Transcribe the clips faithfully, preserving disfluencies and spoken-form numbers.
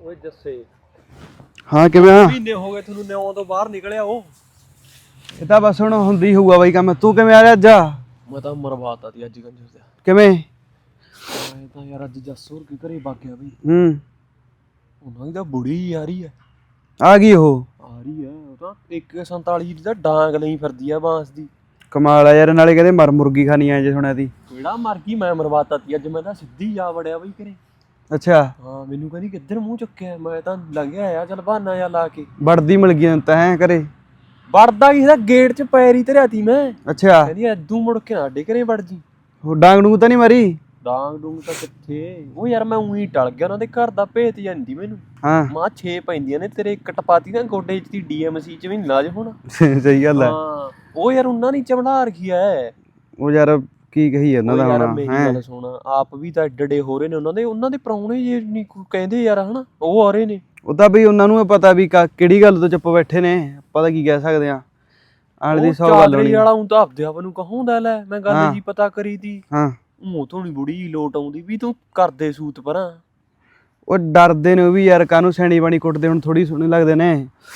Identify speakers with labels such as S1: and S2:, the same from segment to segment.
S1: ਓਏ ਜੱਸੇ
S2: ਹਾਂ ਕਿਵੇਂ ਆ?
S1: ਮਹੀਨੇ ਹੋ ਗਏ ਤੁਹਾਨੂੰ ਨਿਉਂ ਤੋਂ ਬਾਹਰ ਨਿਕਲਿਆ ਉਹ।
S2: ਇਹ ਤਾਂ ਬਸ ਹੁਣ ਹੁੰਦੀ ਹੋਊਗਾ ਬਾਈ ਕੰਮ। ਤੂੰ ਕਿਵੇਂ ਆ ਰਿਹਾ ਅੱਜ?
S1: ਮੈਂ ਤਾਂ ਮਰਵਾਤਾ ਤੀ ਅੱਜ ਕੰਜਰ ਦਾ।
S2: ਕਿਵੇਂ?
S1: ਮੈਂ ਤਾਂ ਯਾਰ ਅੱਜ ਜੱਸੂਰ ਕੀ ਘਰੇ ਵਗ ਗਿਆ ਬਈ।
S2: ਹੂੰ
S1: ਉਹਨਾਂ ਦੀ ਤਾਂ ਬੁੜੀ ਆ ਰਹੀ ਐ।
S2: ਆ ਗਈ ਉਹ?
S1: ਆ ਰਹੀ ਐ ਉਹ ਤਾਂ ਇੱਕ ਸੰਤਾਲੀ ਦੀ ਤਾਂ ਡਾਂਗ ਲਈ ਫਿਰਦੀ ਆ ਬਾਂਸ ਦੀ।
S2: ਕਮਾਲ ਆ ਯਾਰ, ਨਾਲੇ ਕਹਿੰਦੇ ਮਰ ਮੁਰਗੀ ਖਾਣੀ ਆ ਜੇ ਸੁਣਿਆ ਤੀ।
S1: ਕਿਹੜਾ ਮਰ ਗਈ, ਮੈਂ ਮਰਵਾਤਾ ਤੀ ਅੱਜ। ਮੈਂ ਤਾਂ ਸਿੱਧੀ ਜਾ ਵੜਿਆ ਬਈ ਘਰੇ।
S2: ਅੱਛਾ
S1: ਹਾਂ ਮੈਨੂੰ ਕਹਿੰਦੀ ਕਿੱਧਰ ਮੂੰਹ ਚੁੱਕਿਆ, ਮੈਂ ਤਾਂ ਲੰਘਿਆ ਆ ਚੱਲ ਬਹਾਨਾ ਜਿਹਾ ਲਾ ਕੇ।
S2: ਵੜਦੀ ਮਿਲ ਗਈ ਤਾਂ ਹੈ ਘਰੇ?
S1: ਵੜਦਾ ਕਿਸੇ ਦਾ ਗੇਟ 'ਚ ਪੈਰੀ ਧਰਿਆ ਤੀ ਮੈਂ।
S2: ਅੱਛਾ
S1: ਕਹਿੰਦੀ ਐਦੂ ਮੁੜ ਕੇ ਸਾਡੇ ਘਰੇ ਵੜ ਜੀ।
S2: ਉਹ ਡਾਂਗ ਡੂੰਗ ਤਾਂ ਨਹੀਂ ਮਾਰੀ?
S1: ਡਾਂਗ ਡੂੰਗ ਤਾਂ ਕਿੱਥੇ, ਉਹ ਯਾਰ ਮੈਂ ਉਹੀ ਟਲ ਗਿਆ, ਉਹਨਾਂ ਦੇ ਘਰ ਦਾ ਭੇਤ ਜਾਂਦੀ ਮੈਨੂੰ।
S2: ਹਾਂ
S1: ਮਾਂ ਛੇ ਪੈਂਦੀਆਂ ਨੇ ਤੇਰੇ, ਇੱਕ ਟਪਾਤੀ ਨਾ ਗੋਡੇ 'ਚ ਦੀ ਡੀਐਮਸੀ 'ਚ ਵੀ ਨੀ ਲਾਜ ਹੋਣਾ।
S2: ਸਹੀ ਗੱਲ ਹੈ।
S1: ਹਾਂ ਉਹ ਯਾਰ ਉਹਨਾਂ ਨੇ ਚਮੜਾ ਰੱਖੀ ਐ।
S2: ਉਹ ਯਾਰ ਕੀ ਕਹੀ ਇਹਨਾਂ ਦਾ ਹੁਣ
S1: ਮੇਰੀ
S2: ਹੈ?
S1: ਗੱਲ ਸੁਣ, ਆਪ ਵੀ ਤਾਂ ਏਡੇ ਏਡੇ ਹੋ ਰਹੇ ਨੇ, ਉਹਨਾਂ ਦੇ ਉਹਨਾਂ ਦੇ ਪ੍ਰਾਹੁਣੇ ਜੇ ਨਹੀਂ ਕਹਿੰਦੇ ਯਾਰ ਹਨਾ, ਉਹ ਆ ਰਹੇ ਨੇ।
S2: ਉਹ ਤਾਂ ਬਈ ਉਹਨਾਂ ਨੂੰ ਪਤਾ ਵੀ ਕਿਹੜੀ ਗੱਲ ਤੋਂ ਚੁੱਪ ਬੈਠੇ ਨੇ, ਆਪਾਂ ਤਾਂ ਕੀ ਕਹਿ ਸਕਦੇ ਆ। ਆਲੇ ਦੀ ਸੌ ਗੱਲ ਹੋਣੀ
S1: ਵਾਲਾ ਹੁਣ ਤਾਂ ਆਪਦੇ ਆਪ ਨੂੰ ਕਹੂੰਦਾ ਲੈ, ਮੈਂ ਗੱਲ ਜੀ ਪਤਾ ਕਰੀ ਤੀ।
S2: ਹਾਂ
S1: ਮੂੰਹ ਤੋਂ ਨੀ ਬੁੜੀ ਲੋਟ ਆਉਂਦੀ ਵੀ ਤੂੰ ਕਰਦੇ ਸੂਤ ਪਰਾਂ।
S2: ਉਹ ਡਰਦੇ ਨੇ ਉਹ ਵੀ ਯਾਰ, ਕਾਹਨੂੰ ਸੈਣੀ ਬਾਣੀ ਕੁੱਟਦੇ ਹੁਣ, ਥੋੜੀ ਸੋਹਣੇ ਲੱਗਦੇ ਨੇ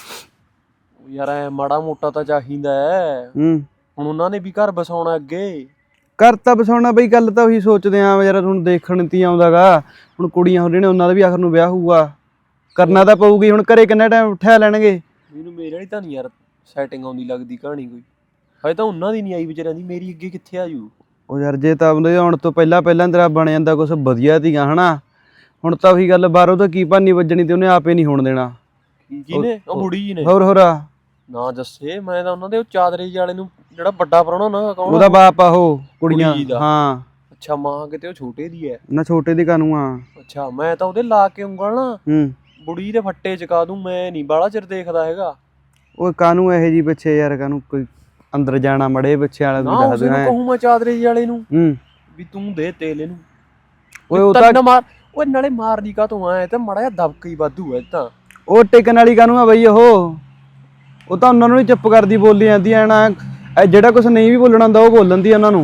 S1: ਯਾਰ। ਐ ਮਾੜਾ ਮੋਟਾ ਤਾਂ ਚਾਹੀਦਾ ਹੈ।
S2: ਹੂੰ
S1: ਹੁਣ ਉਹਨਾਂ ਨੇ ਵੀ ਘਰ ਬਸਾਉਣਾ ਅੱਗੇ।
S2: ਘਰ ਤਾਂ ਬਸਾਉਣਾ ਬਈ, ਗੱਲ ਤਾਂ ਉਹੀ ਸੋਚਦੇ ਆ ਯਾਰ। ਹੁਣ ਦੇਖਣ ਤੀ ਆਉਂਦਾਗਾ, ਹੁਣ ਕੁੜੀਆਂ ਹੋ ਰਹੀਆਂ ਨੇ, ਉਹਨਾਂ ਦਾ ਵੀ ਆਖਰ ਨੂੰ ਵਿਆਹ ਹੋਊਗਾ, ਕਰਨਾ ਤਾਂ ਪਊਗੀ। ਹੁਣ ਘਰੇ ਕਿੰਨਾ ਟਾਈਮ ਉਠਿਆ ਲੈਣਗੇ?
S1: ਮੈਨੂੰ ਮੇਰੇ ਵਾਲੀ ਤਾਂ ਨਹੀਂ ਯਾਰ ਸੈਟਿੰਗ ਆਉਂਦੀ ਲੱਗਦੀ ਕਹਾਣੀ ਕੋਈ। ਹਜੇ ਤਾਂ ਉਹਨਾਂ ਦੀ ਨਹੀਂ ਆਈ ਵਿਚਾਰਿਆਂ ਦੀ, ਮੇਰੀ ਅੱਗੇ ਕਿੱਥੇ ਆ ਜੂ।
S2: ਉਹ ਯਾਰ ਜੇ ਤਾਂ ਉਹਦੇ ਆਉਣ ਤੋਂ ਪਹਿਲਾਂ ਪਹਿਲਾਂ ਤੇਰਾ ਬਣ ਜਾਂਦਾ ਕੁਛ ਵਧੀਆ ਤੀਗਾ ਹਨਾ। ਹੁਣ ਤਾਂ ਉਹੀ ਗੱਲ, ਬਾਹਰੋਂ ਤਾਂ ਕੀ ਭਾਨੀ ਵੱਜਣੀ ਤੇ ਉਹਨੇ ਆਪੇ ਨਹੀਂ ਹੋਣ ਦੇਣਾ।
S1: ਕਿਹਨੇ? ਉਹ ਬੁੜੀ ਜੀ ਨੇ।
S2: ਹੋਰ ਹੋਰ
S1: ਨਾ ਜੱਸੇ, ਮੈਂ ਤਾਂ ਉਹਨਾਂ ਦੇ ਉਹ ਚਾਦਰੇ ਵਾਲੇ ਨੂੰ, ਜਿਹੜਾ ਵੱਡਾ ਪ੍ਰਾਹੁਣਾ ਨਾ, ਕੌਣ
S2: ਉਹਦਾ ਬਾਪ ਆ ਉਹ ਕੁੜੀਆਂ।
S1: ਕੁੜੀ ਦਾ?
S2: ਹਾਂ
S1: ਅੱਛਾ ਮਾਂ ਕਿਤੇ ਉਹ ਛੋਟੇ ਦੀ ਐ
S2: ਨਾ, ਛੋਟੇ ਦੀ ਕਾਨੂੰ ਆ।
S1: ਅੱਛਾ ਮੈਂ ਤਾਂ ਉਹਦੇ ਲਾ ਕੇ ਉਂਗਲ ਨਾ
S2: ਹੂੰ
S1: ਬੁੜੀ ਦੇ ਫੱਟੇ ਚਕਾ ਦੂੰ। ਮੈਂ ਨਹੀਂ ਬਾਹਲਾ ਚਿਰ ਦੇਖਦਾ ਹੈਗਾ।
S2: ਉਹ ਕਾਨੂੰ ਇਹੋ ਜੀ ਪਿੱਛੇ ਯਾਰ, ਕਾਨੂੰ ਕੋਈ ਅੰਦਰ ਜਾਣਾ ਮੜੇ ਪਿੱਛੇ ਵਾਲਾ
S1: ਨਾ
S2: ਵੀ ਦੱਸ
S1: ਉਸੇ ਨੂੰ
S2: ਦੇ।
S1: ਕਹੂੰ ਮੈਂ ਚਾਦਰੇ ਵਾਲੇ ਨੂੰ
S2: ਹੂੰ
S1: ਵੀ ਤੂੰ ਦੇ ਤੇਲ ਇਹਨੂੰ।
S2: ਓਏ ਉਹ ਤਾਂ
S1: ਮਾਰ, ਓਏ ਨਾਲੇ ਮਾਰਦੀ ਕਾ ਤੂੰ ਐ ਤੇ ਮੜਾ ਜਿਹਾ ਦਬਕ ਹੀ ਵਾਧੂ ਐ ਤਾਂ।
S2: ਉਹ ਟਿਕਣ ਵਾਲੀ ਕਾਨੂੰ ਆ ਬਈ। ਉਹ ਉਹ ਤਾਂ ਉਹਨਾਂ ਨੂੰ ਹੀ ਚੁੱਪ ਕਰਦੀ ਬੋਲੀ ਜਾਂਦੀ ਐ ਨਾ। ਜਿਹੜਾ ਕੁਛ ਨਹੀਂ ਵੀ ਬੋਲਣਾ ਹੁੰਦਾ ਉਹ ਬੋਲਣ ਦੀ ਉਹਨਾਂ ਨੂੰ।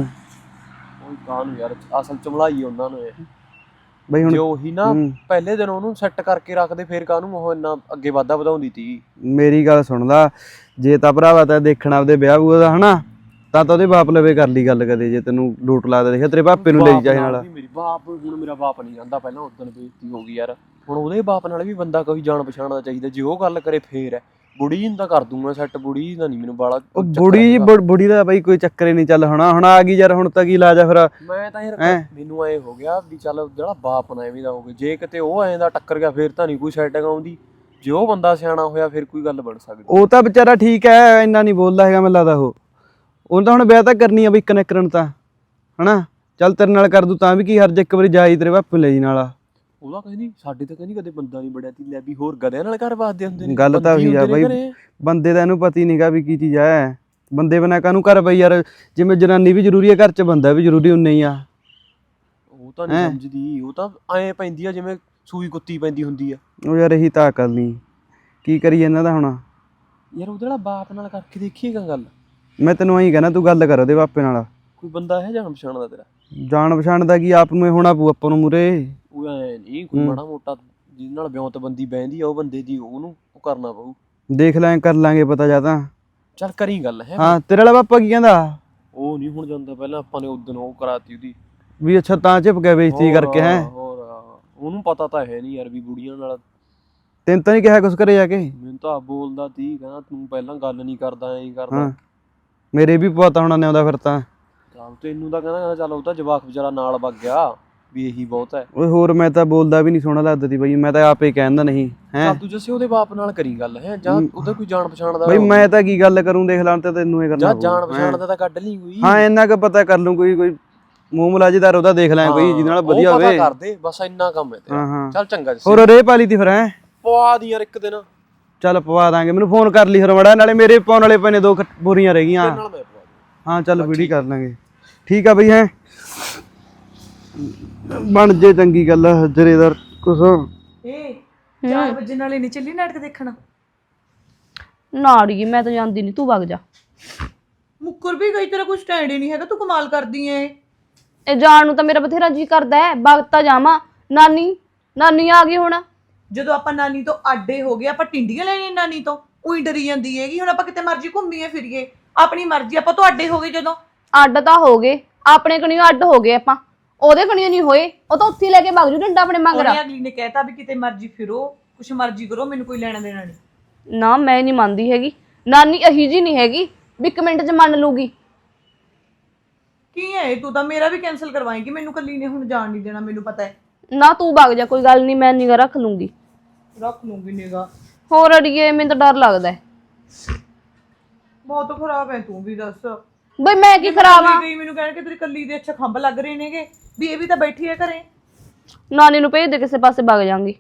S1: ਉਹ ਕਾਨੂੰ ਯਾਰ ਅਸਲ ਚਮਲਾਈ ਉਹਨਾਂ ਨੂੰ ਇਹ
S2: ਬਈ ਹੁਣ
S1: ਜੇ ਉਹੀ ਨਾ ਪਹਿਲੇ ਦਿਨ ਉਹਨੂੰ ਸੈੱਟ ਕਰਕੇ ਰੱਖਦੇ, ਫੇਰ ਕਾਨੂੰ ਉਹ ਇੰਨਾ ਅੱਗੇ ਵਾਧਾ ਵਧਾਉਂਦੀ ਤੀ।
S2: ਮੇਰੀ ਗੱਲ ਸੁਣਦਾ, ਜੇ ਤਾਂ ਭਰਾਵਾ ਤਾਂ ਦੇਖਣਾ ਆਪਦੇ ਵਿਆਹ ਬੂਹ ਦਾ ਹਨਾ, ਤਾਂ ਤਾਂ ਉਹਦੇ ਬਾਪ ਲਵੇ ਕਰ ਲਈ ਗੱਲ ਕਦੇ। ਜੇ ਤੈਨੂੰ ਡੂਟ ਲੱਗਦਾ ਦੇਖਿਆ ਤੇਰੇ ਪਾਪੇ ਨੂੰ ਲੈ ਜਾ ਨਾਲ।
S1: ਮੇਰੀ ਬਾਪ ਹੁਣ ਮੇਰਾ ਬਾਪ ਨਹੀਂ ਜਾਂਦਾ, ਪਹਿਲਾਂ ਉਦੋਂ ਬੇਇੱਜ਼ਤੀ ਹੋ ਗਈ ਯਾਰ। ਹੁਣ ਉਹਦੇ ਬਾਪ ਨਾਲ ਵੀ ਬੰਦਾ ਕੋਈ ਜਾਣ ਪਛਾਣ ਦਾ ਚਾਹੀਦਾ। ਜੇ ਉਹ ਗੱਲ ਕਰੇ ਫੇਰ ਹੈ। ਬੁੜੀ ਨੂੰ ਤਾਂ ਕਰ ਦੂੰ ਮੈਂ ਸੈੱਟ, ਬੁੜੀ ਦਾ ਨਹੀਂ ਮੈਨੂੰ ਬਾਲਾ।
S2: ਉਹ ਬੁੜੀ ਬੁੜੀ ਦਾ ਬਈ ਕੋਈ ਚੱਕਰ ਹੀ ਨਹੀਂ। ਚੱਲ ਹੁਣ ਹੁਣ ਆ ਗਈ ਯਾਰ, ਹੁਣ ਤਾਂ ਕੀ ਇਲਾਜ ਆ ਫਿਰ।
S1: ਮੈਂ ਤਾਂ ਯਾਰ ਮੈਨੂੰ ਐ ਹੋ ਗਿਆ ਵੀ ਚੱਲ ਜਿਹੜਾ ਬਾਪ ਨਾ ਐਵੇਂ ਦਾ ਹੋ ਗਿਆ, ਜੇ ਕਿਤੇ ਉਹ ਐਂ ਦਾ ਟੱਕਰ ਗਿਆ ਫੇਰ ਤਾਂ ਨਹੀਂ ਕੋਈ ਸੈਟਿੰਗ ਆਉਂਦੀ। ਜੇ ਉਹ ਬੰਦਾ ਸਿਆਣਾ ਹੋਇਆ ਫਿਰ ਕੋਈ ਗੱਲ ਬਣ ਸਕਦੀ।
S2: ਉਹ ਤਾਂ ਵਿਚਾਰਾ ਠੀਕ ਹੈ, ਇੰਨਾ ਨਹੀਂ ਬੋਲਦਾ ਹੈਗਾ ਮੈਨੂੰ ਲੱਗਦਾ। ਉਹ ਉਹਨੂੰ ਤਾਂ ਹੁਣ ਵਿਆਹ ਤਾਂ ਕਰਨੀ ਆ ਬਈ, ਇੱਕ ਨਾ ਕਰਨ ਤਾਂ ਹਨਾ। ਚੱਲ ਤੇਰੇ ਨਾਲ ਕਰ ਦੂ ਤਾਂ ਵੀ ਕੀ ਹਰਜ, ਇੱਕ ਵਾਰੀ ਜਾਈ ਤੇਰੇ ਪਾਪੇ ਲੈ ਜੀ ਨਾਲ।
S1: ਉਹਦਾ ਕਹਿੰਦੀ ਸਾਡੇ ਤਾਂ ਕਹਿੰਦੀ ਕਦੇ ਬੰਦਾ ਨਹੀਂ ਬੜਿਆ ਤੀ, ਲੈ ਵੀ ਹੋਰ ਗਧਿਆਂ ਨਾਲ ਘਰ ਵੱਸਦੇ ਹੁੰਦੇ ਨੇ।
S2: ਗੱਲ ਤਾਂ ਉਹੀ ਆ ਬਈ, ਬੰਦੇ ਦਾ ਇਹਨੂੰ ਪਤਾ ਹੀ ਨਹੀਂਗਾ ਵੀ ਕੀ ਚੀਜ਼ ਹੈ। ਬੰਦੇ ਬਿਨਾਂ ਕਾਹਨੂੰ ਘਰ ਬਈ ਯਾਰ। ਜਿਵੇਂ ਜਨਾਨੀ ਵੀ ਜ਼ਰੂਰੀ ਹੈ ਘਰ 'ਚ, ਬੰਦਾ ਵੀ ਜ਼ਰੂਰੀ ਉਨਾ ਹੀ ਆ।
S1: ਉਹ ਤਾਂ ਨਹੀਂ ਸਮਝਦੀ, ਉਹ ਤਾਂ ਐਂ ਪੈਂਦੀ ਆ ਜਿਵੇਂ ਸੂਈ ਕੁੱਤੀ ਪੈਂਦੀ ਹੁੰਦੀ ਆ।
S2: ਉਹ ਯਾਰ ਇਹੀ ਤਾਂ ਅਕਲ ਨਹੀਂ, ਕੀ ਕਰੀਏ ਇਹਨਾਂ ਦਾ ਹੁਣ।
S1: ਯਾਰ ਉਹਦੇ ਨਾਲ ਬਾਪ ਨਾਲ ਕਰਕੇ ਦੇਖੀਏਗਾ ਗੱਲ।
S2: ਮੈਂ ਤੈਨੂੰ ਐਂ ਕਹਿਣਾ, ਤੂੰ ਗੱਲ ਕਰ ਉਹਦੇ ਪਾਪੇ ਨਾਲ।
S1: ਕੋਈ ਬੰਦਾ ਹੈ ਜਾਣ ਪਛਾਣ ਦਾ ਤੇਰਾ?
S2: ਜਾਣ ਪਛਾਣ ਦਾ ਕੀ, ਆਪ ਨੂੰ ਹੋਣਾ ਪਊ ਆਪਾਂ ਨੂੰ ਮੂਰੇ।
S1: ਉਹ ਐ ਨਹੀਂ ਕੋਈ ਮਾੜਾ ਮੋਟਾ ਜਿਹਦੇ ਨਾਲ ਵਿਉਂਤ ਬੰਦੀ ਬਹਿੰਦੀ ਆ ਉਹ ਬੰਦੇ ਦੀ, ਉਹਨੂੰ ਉਹ ਕਰਨਾ ਪਊ।
S2: ਦੇਖ ਲੈ ਕਰ ਲਾਂਗੇ ਪਤਾ ਜਾਂ ਤਾਂ।
S1: ਚੱਲ ਕਰੀ ਗੱਲ ਹੈ।
S2: ਹਾਂ ਤੇਰੇ ਵਾਲਾ ਪਾਪਾ ਕੀ ਕਹਿੰਦਾ?
S1: ਉਹ ਨਹੀਂ ਹੁਣ ਜਾਂਦਾ, ਪਹਿਲਾਂ ਆਪਾਂ ਨੇ ਉਦੋਂ ਉਹ ਕਰਾਤੀ ਉਹਦੀ
S2: ਵੀ। ਅੱਛਾ ਤਾਂ ਝਿਪ ਗਿਆ ਬੇਇੱਜ਼ਤੀ ਕਰਕੇ ਹੈ।
S1: ਹੋਰ ਉਹਨੂੰ ਪਤਾ ਤਾਂ ਹੈ ਨਹੀਂ ਯਾਰ ਵੀ ਬੁੜੀਆਂ ਨਾਲ।
S2: ਤੈਨੂੰ ਤਾਂ ਨਹੀਂ ਕਿਹਾ ਕੁਛ ਘਰੇ ਜਾ ਕੇ?
S1: ਮੈਨੂੰ ਤਾਂ ਬੋਲਦਾ ਤੀ, ਕਹਿੰਦਾ ਤੂੰ ਪਹਿਲਾਂ ਗੱਲ ਨਹੀਂ ਕਰਦਾ, ਐਂ ਕਰਦਾ।
S2: ਮੇਰੇ ਵੀ ਪਤਾ ਹੋਣਾ ਨੇ ਆਉਂਦਾ ਫਿਰ ਤਾਂ।
S1: ਤੈਨੂੰ ਤਾਂ ਕਹਿੰਦਾ ਚੱਲ ਉਹ ਤਾਂ ਜਵਾਕ ਵਿਚਾਰਾ ਨਾਲ ਵਗ ਗਿਆ ਵੀ ਇਹੀ ਬਹੁਤ ਹੈ।
S2: ਓਏ ਹੋਰ ਮੈਂ ਤਾਂ ਬੋਲਦਾ ਵੀ ਨਹੀਂ, ਸੋਹਣਾ ਲੱਗਦਾ ਤੀ ਬਈ। ਮੈਂ ਤਾਂ ਆਪੇ ਕਹਿੰਦਾ ਨਹੀਂ ਹੈ।
S1: ਤੂੰ ਜੱਸੇ ਉਹਦੇ ਬਾਪ ਨਾਲ ਕਰੀ ਗੱਲ ਹੈ, ਜਾਂ ਉਹਦਾ ਕੋਈ ਜਾਣ ਪਛਾਣ ਦਾ
S2: ਬਈ। ਮੈਂ ਤਾਂ ਕੀ ਗੱਲ ਕਰੂੰ, ਦੇਖ ਲਾਂ ਤੇ ਤੈਨੂੰ ਇਹ ਕਰਨਾ
S1: ਜਾਂ ਜਾਣ ਪਛਾਣ ਦਾ ਤਾਂ ਕੱਢ ਲਈ ਕੋਈ।
S2: ਹਾਂ ਇੰਨਾ ਕੁ ਪਤਾ ਕਰ ਲੂੰ, ਕੋਈ ਕੋਈ ਮੂੰਹ ਮਲਾਜੇਦਾਰ ਉਹਦਾ ਦੇਖ ਲਾਂ ਕੋਈ ਜਿਹਦੇ ਨਾਲ ਵਧੀਆ ਹੋਵੇ।
S1: ਪਤਾ ਕਰ ਦੇ ਬਸ, ਇੰਨਾ ਕੰਮ ਹੈ ਤੇਰਾ। ਚੱਲ ਚੰਗਾ ਜੱਸੇ।
S2: ਹੋਰ ਰੇ ਪਾਲੀ ਤੀ ਫਿਰ ਹੈ?
S1: ਪਵਾ ਦੀ ਯਾਰ ਇੱਕ ਦਿਨ।
S2: ਚੱਲ ਪਵਾ ਦਾਂਗੇ, ਮੈਨੂੰ ਫੋਨ ਕਰ ਲਈ ਫਿਰ ਮੜਾ। ਨਾਲੇ ਮੇਰੇ ਪਾਉਣ ਵਾਲੇ ਪਏ ਨੇ ਦੋ ਬੋਰੀਆਂ ਰਹਿ ਗਈਆਂ। ਹਾਂ ਚੱਲ ਵੀਡੀਓ ਕਰ ਲਾਂਗੇ। ਠੀਕ ਆ ਬਈ ਹੈ, ਬਣ ਜੇ ਚੰਗੀ ਗੱਲ ਜਰੇਦਾਰ ਕੁਛ।
S3: ਏ ਚਾਰ ਵਜੇ ਨਾਲੇ ਨਹੀਂ ਚੱਲੀ ਨਾਟਕ ਦੇਖਣਾ?
S4: ਨਾੜੀ ਮੈਂ ਤਾਂ ਜਾਂਦੀ ਨਹੀਂ, ਤੂੰ ਵਗ ਜਾ।
S3: ਮੁੱਕਰ ਵੀ ਗਈ, ਤੇਰਾ ਕੋਈ ਸਟੈਂਡ ਹੀ ਨਹੀਂ ਹੈਗਾ, ਤੂੰ ਕਮਾਲ ਕਰਦੀ ਐ।
S4: ਇਹ ਜਾਣ ਨੂੰ ਤਾਂ ਮੇਰਾ ਬਥੇਰਾ ਜੀ ਕਰਦਾ ਹੈ, ਵਗ ਤਾਂ ਜਾਵਾਂ। ਨਾਨੀ ਨਾਨੀ ਆ ਗਈ ਹੁਣ।
S3: ਜਦੋਂ ਆਪਾਂ ਨਾਨੀ ਤੋਂ ਆਡੇ ਹੋ ਗਏ ਆਪਾਂ ਟਿੰਡੀਆਂ ਲੈਣੀਆਂ ਨਾਨੀ ਤੋਂ ਉਹੀ ਡਰੀ ਜਾਂਦੀ ਹੈਗੀ। ਹੁਣ ਆਪਾਂ ਕਿਤੇ ਮਰਜ਼ੀ ਘੁੰਮੀਏ ਫਿਰੀਏ ਆਪਣੀ ਮਰਜ਼ੀ, ਆਪਾਂ ਤੋਂ ਆਡੇ ਹੋ ਗਏ ਜਦੋਂ।
S4: ਅੱਡ ਤਾਂ ਹੋ ਗਏ, ਆਪਣੇ ਕਣੀਓ ਅੱਡ ਹੋ ਗਏ ਆਪਾਂ, ਉਹਦੇ ਕਣੀਓ ਨਹੀਂ ਹੋਏ। ਉਹ ਤਾਂ ਉੱਥੇ ਲੈ ਕੇ ਭੱਜ ਜੂ ਡੰਡਾ ਆਪਣੇ ਮਗਰ।
S3: ਉਹਨੇ ਅਗਲੀ ਨੇ ਕਹਿਤਾ ਵੀ ਕਿਤੇ ਮਰਜ਼ੀ ਫਿਰੋ ਕੁਛ ਮਰਜ਼ੀ ਕਰੋ, ਮੈਨੂੰ ਕੋਈ ਲੈਣਾ ਦੇਣਾ ਨਹੀਂ।
S4: ਨਾ ਮੈਂ ਨਹੀਂ ਮੰਨਦੀ ਹੈਗੀ, ਨਾਨੀ ਅਹੀ ਜੀ ਨਹੀਂ ਹੈਗੀ ਵੀ ਇੱਕ ਮਿੰਟ 'ਚ ਮੰਨ ਲੂਗੀ।
S3: ਕੀ ਹੈ ਤੂੰ ਤਾਂ ਮੇਰਾ ਵੀ ਕੈਨਸਲ ਕਰਵਾਏਂਗੀ, ਮੈਨੂੰ ਕੱਲੀ ਨੇ ਹੁਣ ਜਾਣ ਨਹੀਂ ਦੇਣਾ, ਮੈਨੂੰ ਪਤਾ ਹੈ।
S4: ਨਾ ਤੂੰ ਭੱਗ ਜਾ, ਕੋਈ ਗੱਲ ਨਹੀਂ, ਮੈਂ ਨਿਗਾ ਰੱਖ ਲੂੰਗੀ।
S3: ਰੱਖ ਲੂੰਗੀ ਨਿਗਾ।
S4: ਹੋਰ ਅੜੀਏ ਮੈਨੂੰ ਤਾਂ ਡਰ ਲੱਗਦਾ ਹੈ।
S3: ਬਹੁਤ ਖਰਾਬ ਹੈ ਤੂੰ ਵੀ, ਦੱਸ
S4: ਬਈ ਮੈਂ ਕੀ ਕਰਾਵਾਂ।
S3: ਗਈ ਮੈਨੂੰ ਕਹਿਣ ਕਿ ਤੇਰੀ ਕੱਲੀ ਦੇ ਅੱਛਾ ਖੰਭ ਲੱਗ ਰਹੇ ਨੇਗੇ ਵੀ ਇਹ ਵੀ ਤਾਂ ਬੈਠੀ ਹੈ ਘਰੇ।
S4: ਨਾਨੀ ਨੂੰ ਭੇਜ ਦੇ ਕਿਸੇ ਪਾਸੇ ਭੱਗ ਜਾਵਾਂਗੀ।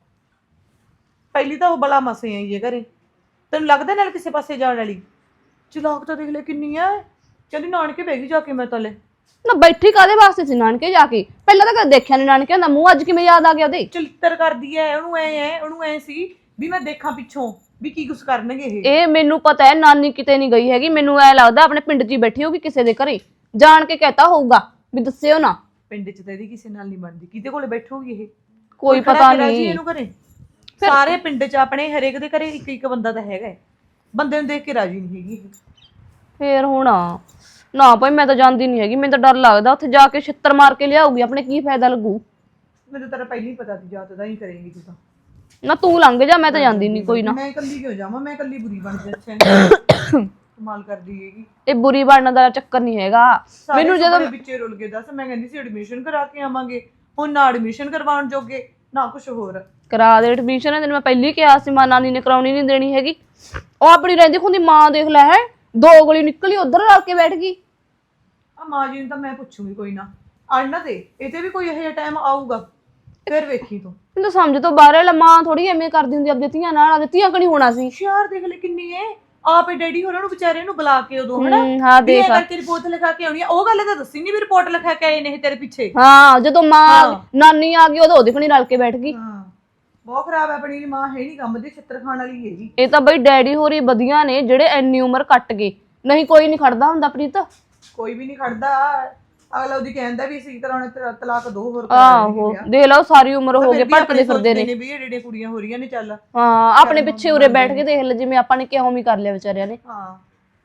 S3: ਪਹਿਲੀ ਤਾਂ ਉਹ ਬਲਾ ਮਸੇ ਆਈ ਹੈ ਘਰੇ, ਤੈਨੂੰ ਲੱਗਦਾ ਨਾਲ ਕਿਸੇ ਪਾਸੇ ਜਾਣ ਵਾਲੀ। ਚਲਾਕ ਤਾਂ ਦੇਖ ਲੈ ਕਿੰਨੀ ਹੈ, ਕਹਿੰਦੀ ਨਾਨਕੇ ਬਹਿ ਗਈ ਜਾ ਕੇ ਮੈਂ ਤਲੇ।
S4: ਨਾ ਬੈਠੀ ਕਾਦੇ ਵਾਸਤੇ ਸੀ ਨਾਨਕੇ ਜਾ ਕੇ? ਪਹਿਲਾਂ ਤਾਂ ਕਦੇ ਦੇਖਿਆ ਨਹੀਂ ਨਾਨਕੇ ਦਾ ਮੂੰਹ, ਅੱਜ ਕਿਵੇਂ ਯਾਦ ਆ ਗਿਆ ਉਹਦੇ?
S3: ਚਲਿੱਤਰ ਕਰਦੀ ਹੈ, ਉਹਨੂੰ ਐ ਹੈ ਉਹਨੂੰ ਐ ਸੀ ਵੀ ਮੈਂ ਦੇਖਾਂ ਪਿੱਛੋਂ ਵੀ ਕੀ ਕੁਛ ਕਰਨਗੇ ਇਹ।
S4: ਇਹ ਮੈਨੂੰ ਪਤਾ ਹੈ ਨਾਨੀ ਕਿਤੇ ਨਹੀਂ ਗਈ ਹੈਗੀ, ਮੈਨੂੰ ਐ ਲੱਗਦਾ ਆਪਣੇ ਪਿੰਡ 'ਚ ਹੀ ਬੈਠੀ ਹੋਊਗੀ ਕਿਸੇ ਦੇ ਘਰੇ, ਜਾਣ ਕੇ ਕਹਿਤਾ ਹੋਊਗਾ ਵੀ ਦੱਸਿਓ ਨਾ।
S3: ਪਿੰਡ 'ਚ ਤਾਂ ਇਹਦੀ ਕਿਸੇ ਨਾਲ ਨਹੀਂ ਬਣਦੀ, ਕਿਹਦੇ ਕੋਲੇ ਬੈਠੋਗੀ ਇਹ?
S4: ਕੋਈ
S3: ਖੜਾ
S4: ਪਤਾ
S3: ਕੇ ਰਾਜੀ
S4: ਨਹੀਂ
S3: ਇਹਨੂੰ ਘਰੇ। ਸਾਰੇ ਪਿੰਡ 'ਚ ਆਪਣੇ ਹਰੇਕ ਦੇ ਘਰੇ ਇੱਕ ਇੱਕ ਬੰਦਾ ਤਾਂ ਹੈਗਾ ਹੈ, ਬੰਦੇ ਨੂੰ ਦੇਖ ਕੇ ਰਾਜੀ ਨਹੀਂ ਹੈਗੀ ਇਹ।
S4: ਫੇਰ ਹੁਣ ਨਾ ਭਾਈ ਮੈਂ ਤਾਂ ਜਾਂਦੀ ਨਹੀਂ ਹੈਗੀ, ਮੈਨੂੰ ਤਾਂ ਡਰ ਲੱਗਦਾ ਉੱਥੇ ਜਾ ਕੇ ਛਿੱਤਰ ਮਾਰ ਕੇ ਲਿਆਊਗੀ, ਆਪਣੇ ਕੀ ਫਾਇਦਾ ਲੱਗੂ।
S3: ਮੈਨੂੰ ਤਾਂ ਪਹਿਲਾਂ ਹੀ ਪਤਾ ਸੀ ਜਾਤ ਦਾ ਹੀ ਕਰੇਂਗੀ ਤੂੰ ਤਾਂ।
S4: ਨਾ ਤੂੰ ਲੰਘ ਜਾ, ਮੈਂ ਤਾਂ ਜਾਂਦੀ ਨਹੀਂ ਕੋਈ ਨਾ।
S3: ਮੈਂ ਇਕੱਲੀ ਕਿਉਂ ਜਾਵਾਂ, ਮੈਂ ਇਕੱਲੀ ਬੁਰੀ ਬਣ ਜਾ। ਅੱਛਾ ਕਮਾਲ ਕਰਦੀ ਹੈਗੀ।
S4: ਇਹ ਬੁਰੀ ਬਣਨ ਦਾ ਚੱਕਰ ਨਹੀਂ ਹੈਗਾ ਮੈਨੂੰ। ਜਦੋਂ
S3: ਵਿੱਚੇ ਰੁਲ ਗਏ ਦੱਸ, ਮੈਂ ਕਹਿੰਦੀ ਸੀ ਐਡਮਿਸ਼ਨ ਕਰਾ ਕੇ ਆਵਾਂਗੇ, ਹੁਣ ਨਾ ਐਡਮਿਸ਼ਨ ਕਰਵਾਉਣ ਜੋਗੇ ਨਾ ਕੁਝ ਹੋਰ।
S4: ਕਰਾ ਦੇ ਐਡਮਿਸ਼ਨ, ਤੈਨੂੰ ਮੈਂ ਪਹਿਲੀ ਕਿਹਾ ਸੀ ਮਾਂ ਨਾਨੀ ਨੇ ਕਰਾਉਣੀ ਨਹੀਂ ਦੇਣੀ ਹੈਗੀ। ਉਹ ਆਪਣੀ ਰਹਿੰਦੀ ਖੁੰਦੀ ਮਾਂ ਦੇਖ ਲੈ ਹੈ, ਦੋ ਗਲੀ ਨਿਕਲੀ ਉਧਰ ਰਲ ਕੇ ਬੈਠ ਗਈ।
S3: ਆ ਮਾਂ ਜੀ ਨੂੰ ਤਾਂ ਮੈਂ ਪੁੱਛੂਗੀ ਕੋਈ ਨਾ, ਅੜ ਨਾ ਦੇ ਇਹ ਤੇ ਵੀ ਕੋਈ ਇਹੋ ਜਿਹਾ ਟਾਈਮ ਆਊਗਾ ਫਿਰ ਵੇਖੀ ਤੂੰ।
S4: ਮੈਨੂੰ ਸਮਝ ਤੋਂ ਬਾਹਰ ਹੈ, ਮਾਂ ਥੋੜੀ ਐਵੇਂ ਕਰਦੀ ਹੁੰਦੀ ਆਪਣੀ ਧੀਆਂ ਨਾਲ, ਆਪਣੀ ਧੀਆਂ ਕਣੀ ਹੋਣਾ ਸੀ।
S3: ਹੁਸ਼ਿਆਰ ਦੇਖ ਲੈ ਕਿੰਨੀ ਏ, ਆਪੇ ਡੈਡੀ ਹੋਰਾਂ ਨੂੰ ਵਿਚਾਰੇ ਨੂੰ ਬੁਲਾ ਕੇ ਉਦੋਂ ਹਨਾ
S4: ਹਾਂ ਦੇਖ
S3: ਇਹ ਕਰਕੇ ਰਿਪੋਰਟ ਲਿਖਾ ਕੇ ਆਉਣੀ ਆ। ਉਹ ਗੱਲ ਤਾਂ ਦੱਸੀ ਨਹੀਂ ਵੀ ਰਿਪੋਰਟ ਲਿਖਾ ਕੇ ਆਏ ਨੇ ਤੇਰੇ ਪਿੱਛੇ।
S4: ਹਾਂ ਜਦੋਂ ਮਾਂ ਨਾਨੀ ਆ ਗਈ ਉਦੋਂ ਉਹਦੇ ਕਣੀ ਰਲ ਕੇ ਬੈਠ ਗਈ।
S3: ਹਾਂ ਬਹੁਤ ਖਰਾਬ ਹੈ, ਆਪਣੀ ਮਾਂ ਹੈ ਨਹੀਂ ਕੰਮ ਦੀ, ਛਿੱਤਰ ਖਾਣ ਵਾਲੀ ਹੈਗੀ।
S4: ਇਹ ਤਾਂ ਬਈ ਡੈਡੀ ਹੋਰੀ ਵਧੀਆ ਨੇ ਜਿਹੜੇ ਇੰਨੀ ਉਮਰ ਕੱਟ ਗਏ, ਨਹੀਂ ਕੋਈ ਨਹੀਂ ਖੜਦਾ ਹੁੰਦਾ ਪ੍ਰੀਤ।
S3: ਕੋਈ ਵੀ ਨਹੀਂ ਖੜਦਾ, ਅਗਲਾ ਉਹਦੀ ਕਹਿੰਦਾ ਵੀ ਇਸੇ ਤਰ੍ਹਾਂ ਤਲਾਕ ਦੋ ਹੋਰ
S4: ਆਹੋ ਦੇਖ ਲਓ ਸਾਰੀ ਉਮਰ ਹੋ ਗਏ ਭਟਕਦੇ ਫਿਰਦੇ ਨੇ
S3: ਵੀ ਇਹ ਜਿਹੜੀਆਂ ਕੁੜੀਆਂ ਹੋ ਰਹੀਆਂ ਨੇ। ਚੱਲ
S4: ਹਾਂ ਆਪਣੇ ਪਿੱਛੇ ਉਰੇ ਬੈਠ ਕੇ ਦੇਖ ਲੈ, ਜਿਵੇਂ ਆਪਾਂ ਨੇ ਕਿਹਾ ਉਵੇਂ ਕਰ ਲਿਆ ਵਿਚਾਰਿਆਂ ਨੇ।
S3: ਹਾਂ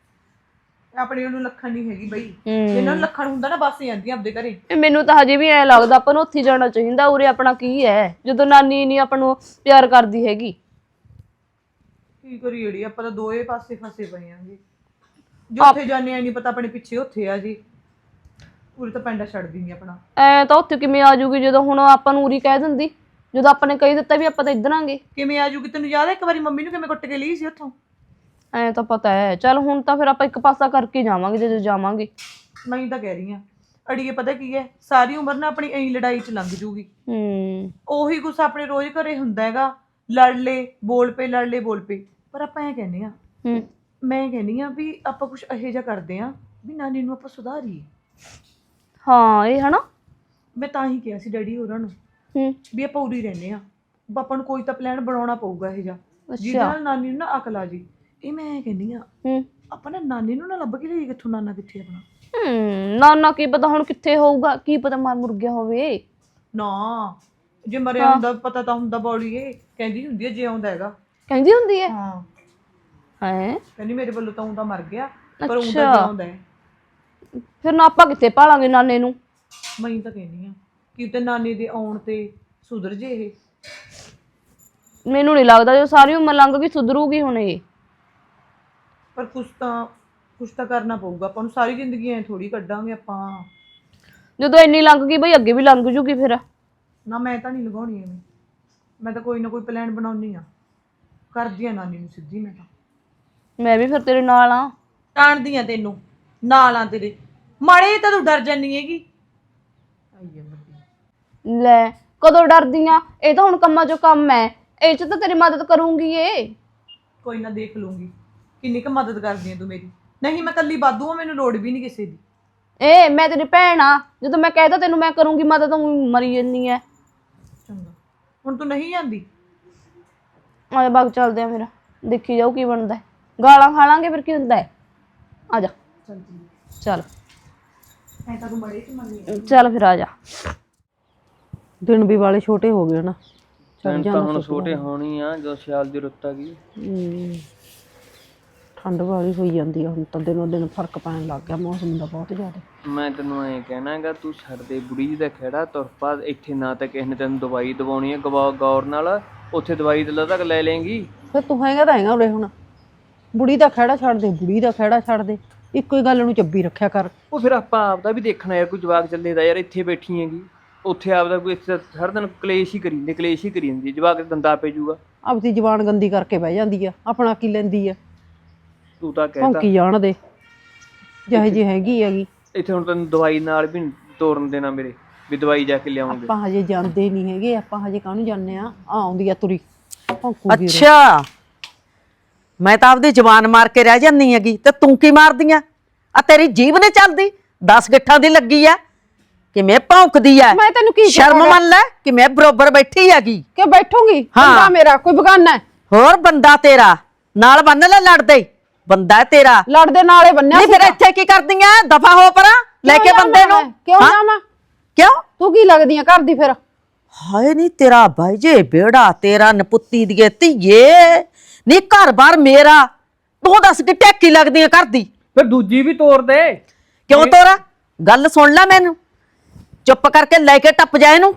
S3: ਆਪਣੀ ਉਹਨੂੰ ਲੱਖਣ ਨਹੀਂ ਹੈਗੀ ਬਈ, ਇਹਨਾਂ ਨੂੰ ਲੱਖਣ ਹੁੰਦਾ ਨਾ ਬਸ ਜਾਂਦੀਆਂ ਆਪਦੇ ਘਰੇ।
S4: ਮੈਨੂੰ ਤਾਂ ਹਜੇ ਵੀ ਐ ਲੱਗਦਾ ਆਪਾਂ ਨੂੰ ਉੱਥੇ ਜਾਣਾ ਚਾਹੀਦਾ, ਉਰੇ ਆਪਣਾ ਕੀ ਹੈ ਜਦੋਂ ਨਾਨੀ ਨਹੀਂ ਆਪਾਂ ਨੂੰ ਪਿਆਰ ਕਰਦੀ ਹੈਗੀ।
S3: ਕੀ ਕਰੀ ਜਿਹੜੀ ਆਪਾਂ ਤਾਂ ਦੋਏ ਪਾਸੇ ਫਸੇ ਪਏ ਆਂਗੇ, ਜੋ ਉੱਥੇ ਜਾਂਦੇ ਆ ਨਹੀਂ ਪਤਾ ਆਪਣੇ ਪਿੱਛੇ ਉੱਥੇ ਆ ਜੀ। ਪੂਰੀ ਤਾਂ ਪੈਂਡਾ ਛੱਡਦੀ ਨਹੀਂ ਆਪਣਾ।
S4: ਐ ਤਾਂ ਉੱਥੇ ਕਿਵੇਂ ਆ ਜੂਗੀ ਜਦੋਂ ਹੁਣ ਆਪਾਂ ਨੂੰ ਉਰੀ ਕਹਿ ਦਿੰਦੀ, ਜਦੋਂ ਆਪਾਂ ਨੇ ਕਹੀ ਦਿੱਤਾ ਵੀ ਆਪਾਂ ਤਾਂ ਇੱਧਰ ਆਂਗੇ।
S3: ਕਿਵੇਂ ਆ ਜੂਗੀ? ਤੈਨੂੰ ਯਾਦ ਹੈ ਇੱਕ ਵਾਰੀ ਮੰਮੀ ਨੂੰ ਕਿਵੇਂ ਕੁੱਟ ਕੇ ਲਈ ਸੀ ਉੱਥੋਂ?
S4: ਐ ਤਾਂ ਪਤਾ ਹੈ। ਚੱਲ ਹੁਣ ਤਾਂ ਫਿਰ ਆਪਾਂ ਇੱਕ ਪਾਸਾ ਕਰਕੇ ਜਾਵਾਂਗੇ ਜਦੋਂ ਜਾਵਾਂਗੇ।
S3: ਮੈਂ ਤਾਂ ਕਹਿ ਰਹੀ ਹਾਂ ਅੜੀਏ, ਪਤਾ ਕੀ ਹੈ, ਸਾਰੀ ਉਮਰ ਨਾ ਆਪਣੀ ਐਂ ਲੜਾਈ 'ਚ ਲੰਘ ਜੂਗੀ।
S4: ਹੂੰ
S3: ਉਹੀ ਕੁਛ ਆਪਣੇ ਰੋਜ਼ ਘਰੇ ਹੁੰਦਾ ਹੈਗਾ, ਲੜ ਲੈ ਬੋਲ ਪਏ ਲੜ ਲੈ ਬੋਲ ਪਏ। ਪਰ ਆਪਾਂ ਐਂ ਕਹਿੰਦੇ ਆ,
S4: ਹੂੰ
S3: ਮੈਂ ਕਹਿੰਦੀ ਆ ਵੀ ਆਪਾਂ ਕੁਛ ਇਹੋ ਜਿਹਾ ਕਰਦੇ ਆ ਵੀ ਨਾਨੀ ਨੂੰ ਆਪਾਂ ਸੁਧਾਰੀਏ।
S4: ਹਾਂ ਇਹ ਹਨਾ,
S3: ਮੈਂ ਤਾਂ ਹੀ ਕਿਹਾ ਸੀ ਡੈਡੀ ਹੋਰਾਂ ਨੂੰ
S4: ਹੂੰ
S3: ਵੀ ਆਪਾਂ ਉਰੀ ਰਹਿੰਦੇ ਆ, ਆਪਾਂ ਨੂੰ ਕੋਈ ਤਾਂ ਪਲਾਨ ਬਣਾਉਣਾ ਪਊਗਾ ਇਹੋ ਜਿਹਾ ਜਿਹਦੇ ਨਾਲ ਨਾਨੀ ਨੂੰ ਨਾ ਅਕਲ ਆ ਜੀ। ਇਹ ਮੈਂ ਕਹਿੰਦੀ ਆ
S4: ਹੂੰ
S3: ਆਪਾਂ ਨਾ ਨਾਨੀ ਨੂੰ ਨਾ ਲੱਭ ਕੇ ਲਈ ਕਿੱਥੋਂ, ਨਾਨਾ ਕਿੱਥੇ ਆਪਣਾ।
S4: ਹੂੰ ਨਾਨਾ ਕੀ ਪਤਾ ਹੁਣ ਕਿੱਥੇ ਹੋਊਗਾ, ਕੀ ਪਤਾ ਮਰ ਮੁਰ ਗਿਆ ਹੋਵੇ।
S3: ਨਾ ਜੇ ਮਰਿਆ ਹੁੰਦਾ ਪਤਾ ਤਾਂ ਹੁੰਦਾ ਬੌੜੀ। ਇਹ ਕਹਿੰਦੀ ਹੁੰਦੀ ਹੈ ਜੇ ਆਉਂਦਾ ਹੈਗਾ,
S4: ਕਹਿੰਦੀ ਹੁੰਦੀ ਹੈ।
S3: ਹਾਂ
S4: ਹੈ
S3: ਕਹਿੰਦੀ ਮੇਰੇ ਵੱਲੋਂ ਤਾਂ ਹੁੰਦਾ ਮਰ ਗਿਆ, ਪਰ ਹੁੰਦਾ ਜੇ ਆਉਂਦਾ ਹੈ।
S4: ਫਿਰ ਨਾ ਆਪਾਂ ਕਿੱਥੇ ਭਾਲਾਂਗੇ ਨਾਨੇ ਨੂੰ।
S3: ਮੈਂ ਤਾਂ ਕਹਿੰਦੀ ਆ ਕਿ ਤੇ ਨਾਨੀ ਦੇ ਆਉਣ ਤੇ ਸੁਧਰ ਜੇ ਇਹ।
S4: ਮੈਨੂੰ ਨਹੀਂ ਲੱਗਦਾ ਜੋ ਸਾਰੀ ਉਮਰ ਲੰਘ ਗਈ ਸੁਧਰੂਗੀ ਹੁਣ ਇਹ।
S3: ਪਰ ਕੁਛ ਤਾਂ ਕੁਛ ਤਾਂ ਕਰਨਾ ਪਊਗਾ ਆਪਾਂ ਨੂੰ, ਸਾਰੀ ਜ਼ਿੰਦਗੀ ਐ ਥੋੜੀ ਕੱਢਾਂਗੇ ਆਪਾਂ।
S4: ਜਦੋਂ ਇੰਨੀ ਲੰਘ ਗਈ ਬਈ ਅੱਗੇ ਵੀ ਲੰਘ ਜੂਗੀ ਫਿਰ।
S3: ਨਾ ਮੈਂ ਤਾਂ ਨਹੀਂ ਲਗਾਉਣੀ ਐਵੇਂ, ਮੈਂ ਤਾਂ ਕੋਈ ਨਾ ਕੋਈ ਪਲਾਨ ਬਣਾਉਣੀ ਆ, ਕਰਦੀ ਆ ਨਾਨੀ ਨੂੰ ਸਿੱਧੀ। ਮੈਂ ਤਾਂ
S4: ਮੈਂ ਵੀ ਫਿਰ ਤੇਰੇ ਨਾਲ ਆ,
S3: ਟਾਣਦੀ ਆ ਤੈਨੂੰ ਨਾਲ ਆ ਤੇਰੇ। ਮਾੜੇ ਤਾਂ ਤੂੰ ਡਰ ਜਾਨੀ ਹੈਗੀ। ਆਈਏ ਵੱਡੀ
S4: ਲੈ ਕਦੋਂ ਡਰਦੀ ਆ, ਇਹ ਤਾਂ ਹੁਣ ਕੰਮਾਂ ਚੋਂ ਕੰਮ ਹੈ, ਇਹ ਚ ਤਾਂ ਤੇਰੀ ਮਦਦ ਕਰੂੰਗੀ। ਇਹ
S3: ਕੋਈ ਨਾ ਦੇਖ ਲੂੰਗੀ ਕਿੰਨੀ ਕੁ ਮਦਦ ਕਰਦੀ ਆ ਤੂੰ ਮੇਰੀ। ਨਹੀਂ ਮੈਂ ਕੱਲੀ ਬਾਦੂ ਆ, ਮੈਨੂੰ ਲੋੜ ਵੀ ਨਹੀਂ ਕਿਸੇ ਦੀ।
S4: ਏ ਮੈਂ ਤੇਰੀ ਭੈਣ ਆ, ਜਦੋਂ ਮੈਂ ਕਹਿਦਾ ਤੈਨੂੰ ਮੈਂ ਕਰੂੰਗੀ ਮਦਦ ਤੂੰ ਮਰੀ ਜੰਨੀ ਐ।
S3: ਚੰਗਾ ਹੁਣ ਤੂੰ ਨਹੀਂ ਜਾਂਦੀ?
S4: ਆਜਾ ਬਾਗ ਚੱਲਦੇ ਆ, ਫਿਰ ਦੇਖੀ ਜਾਊ ਕੀ ਬਣਦਾ। ਗਾਲਾਂ ਖਾ ਲਾਂਗੇ ਫਿਰ ਕੀ ਹੁੰਦਾ ਹੈ। ਆ ਜਾ ਚੱਲ
S3: ਐ ਤਾਂ ਤੂੰ ਬੜੇ ਚ ਮੰਨੀ।
S4: ਚੱਲ ਫਿਰ ਆ ਜਾ।
S5: ਦਿਨ ਵੀ ਵਾਲੇ ਛੋਟੇ ਹੋ ਗਏ ਨਾ, ਤੈਨੂੰ ਤਾਂ ਹੁਣ ਛੋਟੇ ਹੋਣੀ ਆ ਜੋ ਸਿਆਲ ਦੀ ਰੁੱਤ ਆ ਗਈ।
S6: ਹਮ, ਠੰਡ ਵਾਲੀ ਹੋਈ ਜਾਂਦੀ ਆ ਹੁਣ ਤਾਂ ਦਿਨੋਂ ਦਿਨ ਫਰਕ ਪੈਣ ਲੱਗ ਗਿਆ ਮੌਸਮ ਦਾ ਬਹੁਤ ਜ਼ਿਆਦਾ।
S5: ਮੈਂ ਤੈਨੂੰ ਐਂ ਕਹਿਣਾਗਾ ਤੂੰ ਛੱਡ ਦੇ ਬੁੜੀ ਜੀ ਦਾ ਖਹਿੜਾ ਤੁਰ ਪਾ ਇੱਥੇ ਨਾ ਤਾਂ ਕਿਸੇ ਨੇ ਤੈਨੂੰ ਦਵਾਈ ਦਵਾਉਣੀ ਹੈ ਗਵਾ ਗੌਰ ਨਾਲ ਉੱਥੇ ਦਵਾਈ ਤੇ ਤੱਕ ਲੈ ਲੇਂਗੀ।
S6: ਫਿਰ ਤੂੰ ਹੈਗਾ ਤਾਂ ਹੈਗਾ ਉਰੇ ਹੁਣ ਬੁੜੀ ਦਾ ਖਹਿੜਾ ਛੱਡ ਦੇ ਬੁੜੀ ਦਾ ਖਹਿੜਾ ਛੱਡ ਦੇ ਇੱਕੋ ਹੀ ਗੱਲ ਨੂੰ ਚੱਬੀ ਰੱਖਿਆ ਕਰ।
S5: ਉਹ ਫਿਰ ਆਪਾਂ ਆਪਦਾ ਵੀ ਦੇਖਣਾ ਯਾਰ ਕੋਈ ਜਵਾਕ ਚੱਲੇ ਦਾ ਯਾਰ ਇੱਥੇ ਬੈਠੀ ਹੈਗੀ ਉੱਥੇ ਆਪਦਾ ਕੋਈ ਇੱਥੇ ਹਰ ਦਿਨ ਕਲੇਸ਼ ਹੀ ਕਰੀ ਜਾਂਦੀ ਕਲੇਸ਼ ਹੀ ਕਰੀ ਜਾਂਦੀ ਜਵਾਕ ਦੰਦਾ ਪੈ ਜਾਊਗਾ।
S6: ਆਪਦੀ ਜ਼ਬਾਨ ਗੰਦੀ ਕਰਕੇ ਬਹਿ ਜਾਂਦੀ ਆ ਆਪਣਾ ਕੀ ਲੈਂਦੀ ਆ
S5: ਤੂੰ ਤਾਂ ਕਹਿਤਾ
S6: ਭੌਂਕੀ ਜਾਣ ਦੇ ਜਿਹੇ ਜੀ ਹੈਗੀ ਹੈਗੀ।
S5: ਇੱਥੇ ਹੁਣ ਤੈਨੂੰ ਦਵਾਈ ਨਾਲ ਵੀ ਨੀ ਤੋਰਨ ਦੇਣਾ ਮੇਰੇ ਵੀ ਦਵਾਈ ਜਾ ਕੇ ਲਿਆਉਂਗੇ।
S6: ਆਪਾਂ ਹਜੇ ਜਾਂਦੇ ਨਹੀਂ ਹੈਗੇ ਆਪਾਂ ਹਜੇ ਕਾਹਨੂੰ ਜਾਂਦੇ ਆ ਆ ਆਉਂਦੀ ਆ ਤੁਰੀ ਭੌਂਕੂਗੀ ਉਰੇ।
S7: ਅੱਛਾ ਮੈਂ ਤਾਂ ਆਪਦੀ ਜ਼ਬਾਨ ਮਾਰ ਕੇ ਰਹਿ ਜਾਂਦੀ ਹੈਗੀ ਤੇ ਤੂੰ ਕੀ ਮਾਰਦੀ ਆ ਆ ਤੇਰੀ ਜੀਭ ਨੇ ਚੱਲਦੀ ਦਸ ਗਿੱਠਾਂ ਦੀ ਲੱਗੀ ਆ ਕਿਵੇਂ ਭੌਂਕਦੀ ਆ।
S6: ਮੈਂ ਤੈਨੂੰ ਕੀ
S7: ਸ਼ਰਮ
S6: ਕਹਾਂਗਾ?
S7: ਮੰਨ ਲੈ ਕਿ ਮੈਂ ਬਰੋਬਰ ਬੈਠੀ ਹੈਗੀ।
S6: ਕਿ ਬੈਠੂਗੀ ਬੰਦਾ ਮੇਰਾ ਕੋਈ ਬਗਾਨਾ ਹੈ?
S7: ਹੋਰ ਬੰਦਾ ਤੇਰਾ ਨਾਲ ਬੰਨ ਲੈ ਲੜਦੇ ਬੰਦਾ ਹੈ ਤੇਰਾ।
S6: ਲੜਦੇ ਨਾਲੇ ਬੰਨਿਆ
S7: ਨਹੀਂ ਫਿਰ ਇੱਥੇ ਕੀ ਕਰਦੀਆਂ ਦਫਾ ਹੋ ਪਰਾਂ ਲੈ ਕੇ ਬੰਦੇ ਨੂੰ।
S6: ਕਿਉਂ
S7: ਹਾਂ?
S6: ਜਾਵਾਂ
S7: ਕਿਉਂ
S6: ਤੂੰ ਕੀ ਲੱਗਦੀ ਆ ਘਰ ਦੀ ਫਿਰ?
S7: ਹਾਏ ਨਹੀਂ ਤੇਰਾ ਬਾਈ ਜੇ ਬੇੜਾ ਤੇਰਾ ਨਪੁੱਤੀ ਦੀਏ ਧੀਏ ਨਹੀਂ ਘਰ ਬਾਰ ਮੇਰਾ ਤੂੰ ਦੱਸ ਕਿ ਟੈਕੀ ਲੱਗਦੀ ਆ ਘਰ ਦੀ।
S5: ਫਿਰ ਦੂਜੀ ਵੀ ਤੋੜ ਦੇ।
S7: ਕਿਉਂ ਤੋਰਾ ਗੱਲ ਸੁਣ ਲੈ ਮੈਨੂੰ ਚੁੱਪ ਕਰਕੇ ਲੈ ਕੇ ਟੱਪ ਜਾ ਇਹਨੂੰ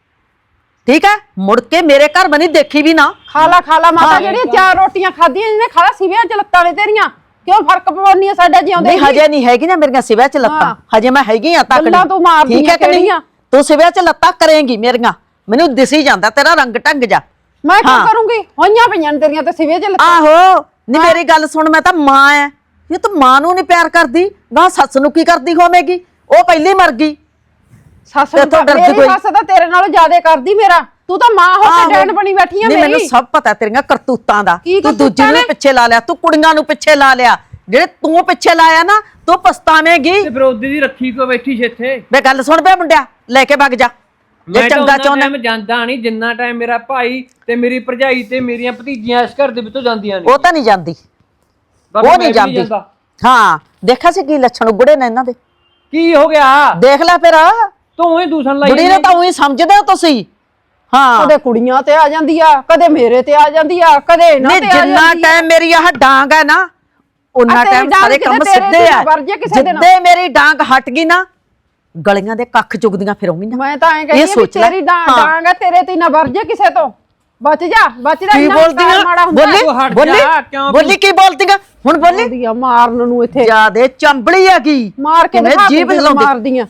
S7: ਠੀਕ ਹੈ ਮੁੜ ਕੇ ਮੇਰੇ ਘਰ ਬਣੀ ਦੇਖੀ ਵੀ ਨਾ।
S6: ਖਾਲਾ ਖਾਲਾ ਮਾਤਾ ਜਿਹੜੀਆਂ ਚਾਰ ਰੋਟੀਆਂ ਖਾਧੀਆਂ ਜਿਹਨੇ ਖਾਲਾ ਸਿਵਿਆਂ ਚ ਲੱਤਾਂ ਨੇ ਤੇਰੀਆਂ ਕਿਉਂ ਫਰਕ ਪਵਾਉਣੀ ਆ ਸਾਡਾ ਜਿਉਂਦੇ
S7: ਨਹੀਂ ਹਜੇ ਨਹੀਂ ਹੈਗੀ ਨਾ ਮੇਰੀਆਂ ਸਿਵਿਆਂ ਚ ਲੱਤਾਂ ਹਜੇ ਮੈਂ ਹੈਗੀ ਆ ਤੱਕ
S6: ਗੱਲਾਂ ਤੂੰ ਮਾਰਦੀ
S7: ਠੀਕ ਹੈ ਕਿ ਨਹੀਂ ਤੂੰ ਸਿਵਿਆਂ ਚ ਲੱਤਾਂ ਕਰੇਂਗੀ ਮੇਰੀਆਂ ਮੈਨੂੰ ਦਿਸੀ ਜਾਂਦਾ ਤੇਰਾ ਰੰਗ ਢੰਗ ਜਾ।
S6: ਮੈਂ ਕੀ ਕਰੂੰਗੀ ਹੋਈਆਂ ਪਈਆਂ ਨੇ ਤੇਰੀਆਂ ਤੇ ਸਿਵਿਆਂ ਚ ਲੱਤਾਂ।
S7: ਆਹੋ ਨਹੀਂ ਮੇਰੀ ਗੱਲ ਸੁਣ ਮੈਂ ਤਾਂ ਮਾਂ ਐ ਇਹ ਤੂੰ ਮਾਂ ਨੂੰ ਨਹੀਂ ਪਿਆਰ ਕਰਦੀ ਨਾ ਸੱਸ ਨੂੰ ਕੀ ਕਰਦੀ ਹੋਵੇਗੀ ਉਹ ਪਹਿਲੀ ਮਰ ਗਈ।
S6: ਸੱਸ ਨੂੰ ਤਾਂ ਮੇਰੀ ਸੱਸ ਤਾਂ ਤੇਰੇ ਨਾਲੋਂ ਜ਼ਿਆਦਾ ਕਰਦੀ ਮੇਰਾ ਤੂੰ ਤਾਂ ਮਾਂ ਹੋ ਕੇ ਡੈਣ ਬਣੀ ਬੈਠੀ ਆ
S7: ਨਹੀਂ
S6: ਮੇਰੀ।
S7: ਮੈਨੂੰ ਸਭ ਪਤਾ ਤੇਰੀਆਂ ਕਰਤੂਤਾਂ ਦਾ
S6: ਕੀ
S7: ਤੂੰ ਦੂਜੀ
S6: ਕਰਤੂਤਾਂ
S7: ਨੂੰ
S6: ਨੇ?
S7: ਪਿੱਛੇ ਲਾ ਲਿਆ ਤੂੰ ਕੁੜੀਆਂ ਨੂੰ ਪਿੱਛੇ ਲਾ ਲਿਆ ਜਿਹੜੇ ਤੂੰ ਪਿੱਛੇ ਲਾਇਆ ਨਾ ਤੂੰ ਪਛਤਾਵੇਂਗੀ।
S5: ਤੇ ਫਿਰ ਉਹਦੀ ਦੀ ਰੱਖੀ ਕੋ ਬੈਠੀ ਸੀ ਇੱਥੇ।
S7: ਵੇ ਗੱਲ ਸੁਣ ਬੇ ਮੁੰਡਿਆ ਲੈ ਕੇ ਵਗ ਜਾ ਜੇ
S5: ਮੈਂ
S7: ਚੰਗਾ ਚਾਹੁੰਦਾ
S5: ਮੈਂ ਜਾਂਦਾ ਨਹੀਂ ਜਿੰਨਾ ਟਾਈਮ ਮੇਰਾ ਭਾਈ ਤੇ ਮੇਰੀ ਭਰਜਾਈ ਤੇ ਮੇਰੀਆਂ ਭਤੀਜੀਆਂ ਇਸ ਘਰ ਦੇ ਵਿੱਚੋਂ ਜਾਂਦੀਆਂ ਨੇ।
S7: ਉਹ ਤਾਂ ਨਹੀਂ ਜਾਂਦੀ ਉਹ ਨਹੀਂ ਜਾਂਦੀ। ਹਾਂ ਦੇਖਿਆ ਸੀ ਕੀ ਲੱਛਣ ਉਗੜੇ ਨੇ ਇਹਨਾਂ ਦੇ।
S5: ਕੀ ਹੋ ਗਿਆ
S7: ਦੇਖ ਲੈ ਫਿਰ
S5: ਤੂੰ ਹੀ ਦੂਸਣ ਲਾਈ
S7: ਬੁੜੀ ਨੇ ਤਾਂ ਉਹੀ ਸਮਝਦੇ ਹੋ ਤੁਸੀਂ। ਹਾਂ
S6: ਕਦੇ ਕੁੜੀਆਂ ਤੇ ਆ ਜਾਂਦੀ ਆ ਕਦੇ ਮੇਰੇ ਤੇ ਆ ਜਾਂਦੀ ਆ ਕਦੇ ਇਹਨਾਂ
S7: ਨਹੀਂ
S6: ਤੇ ਆ
S7: ਜਿੰਨਾ
S6: ਜਾਂਦੀ ਆ।
S7: ਟਾਈਮ ਮੇਰੀ ਆਹ ਡਾਂਗ ਹੈ ਨਾ ਉਹਨਾਂ
S6: ਤੇਰੀ
S7: ਟਾਈਮ
S6: ਡਾਂਗ
S7: ਸਾਰੇ
S6: ਕਿਤੇ
S7: ਕੰਮ
S6: ਤੇਰੇ
S7: ਸਿੱਧੇ
S6: ਤੇ
S7: ਆ
S6: ਵਰ ਜੇ ਕਿਸੇ ਦੇ ਨਾਲ।
S7: ਜਿੱਦੇ ਮੇਰੀ ਡਾਂਗ ਹਟ ਗਈ ਨਾ ਗਲੀਆਂ ਦੇ ਕੱਖ ਚੁਗਦੀਆਂ ਫਿਰੂੰਗੀ ਨਾ।
S6: ਮੈਂ ਤਾਂ ਐਂ ਕਹਿੰਦੀ ਆ ਵੀ ਤੇਰੀ ਡਾਂਗ ਡਾਂਗ ਆ ਤੇਰੇ ਤੇ ਨਾ ਵਰ ਜੇ ਕਿਸੇ ਤੋਂ ਬਚ ਜਾ ਬਚ ਜਾ
S7: ਕੀ ਬੋਲਦੀਆਂ ਬੋਲੀ ਬੋਲੀ ਬੋਲੀ ਕੀ ਬੋਲਦੀਆਂ ਹੁਣ ਬੋਲੀ
S6: ਬੋਲਦੀਆਂ ਮਾਰਨ ਨੂੰ ਇੱਥੇ
S7: ਜਿਆਦੇ ਚੰਬਲੀ ਹੈਗੀ
S6: ਮਾਰ ਕੇ ਦਿਖਾ
S7: ਜੀਭ
S6: ਕੇ
S7: ਹਿਲਾਉਂਦੀ
S6: ਮਾਰਦੀਆਂ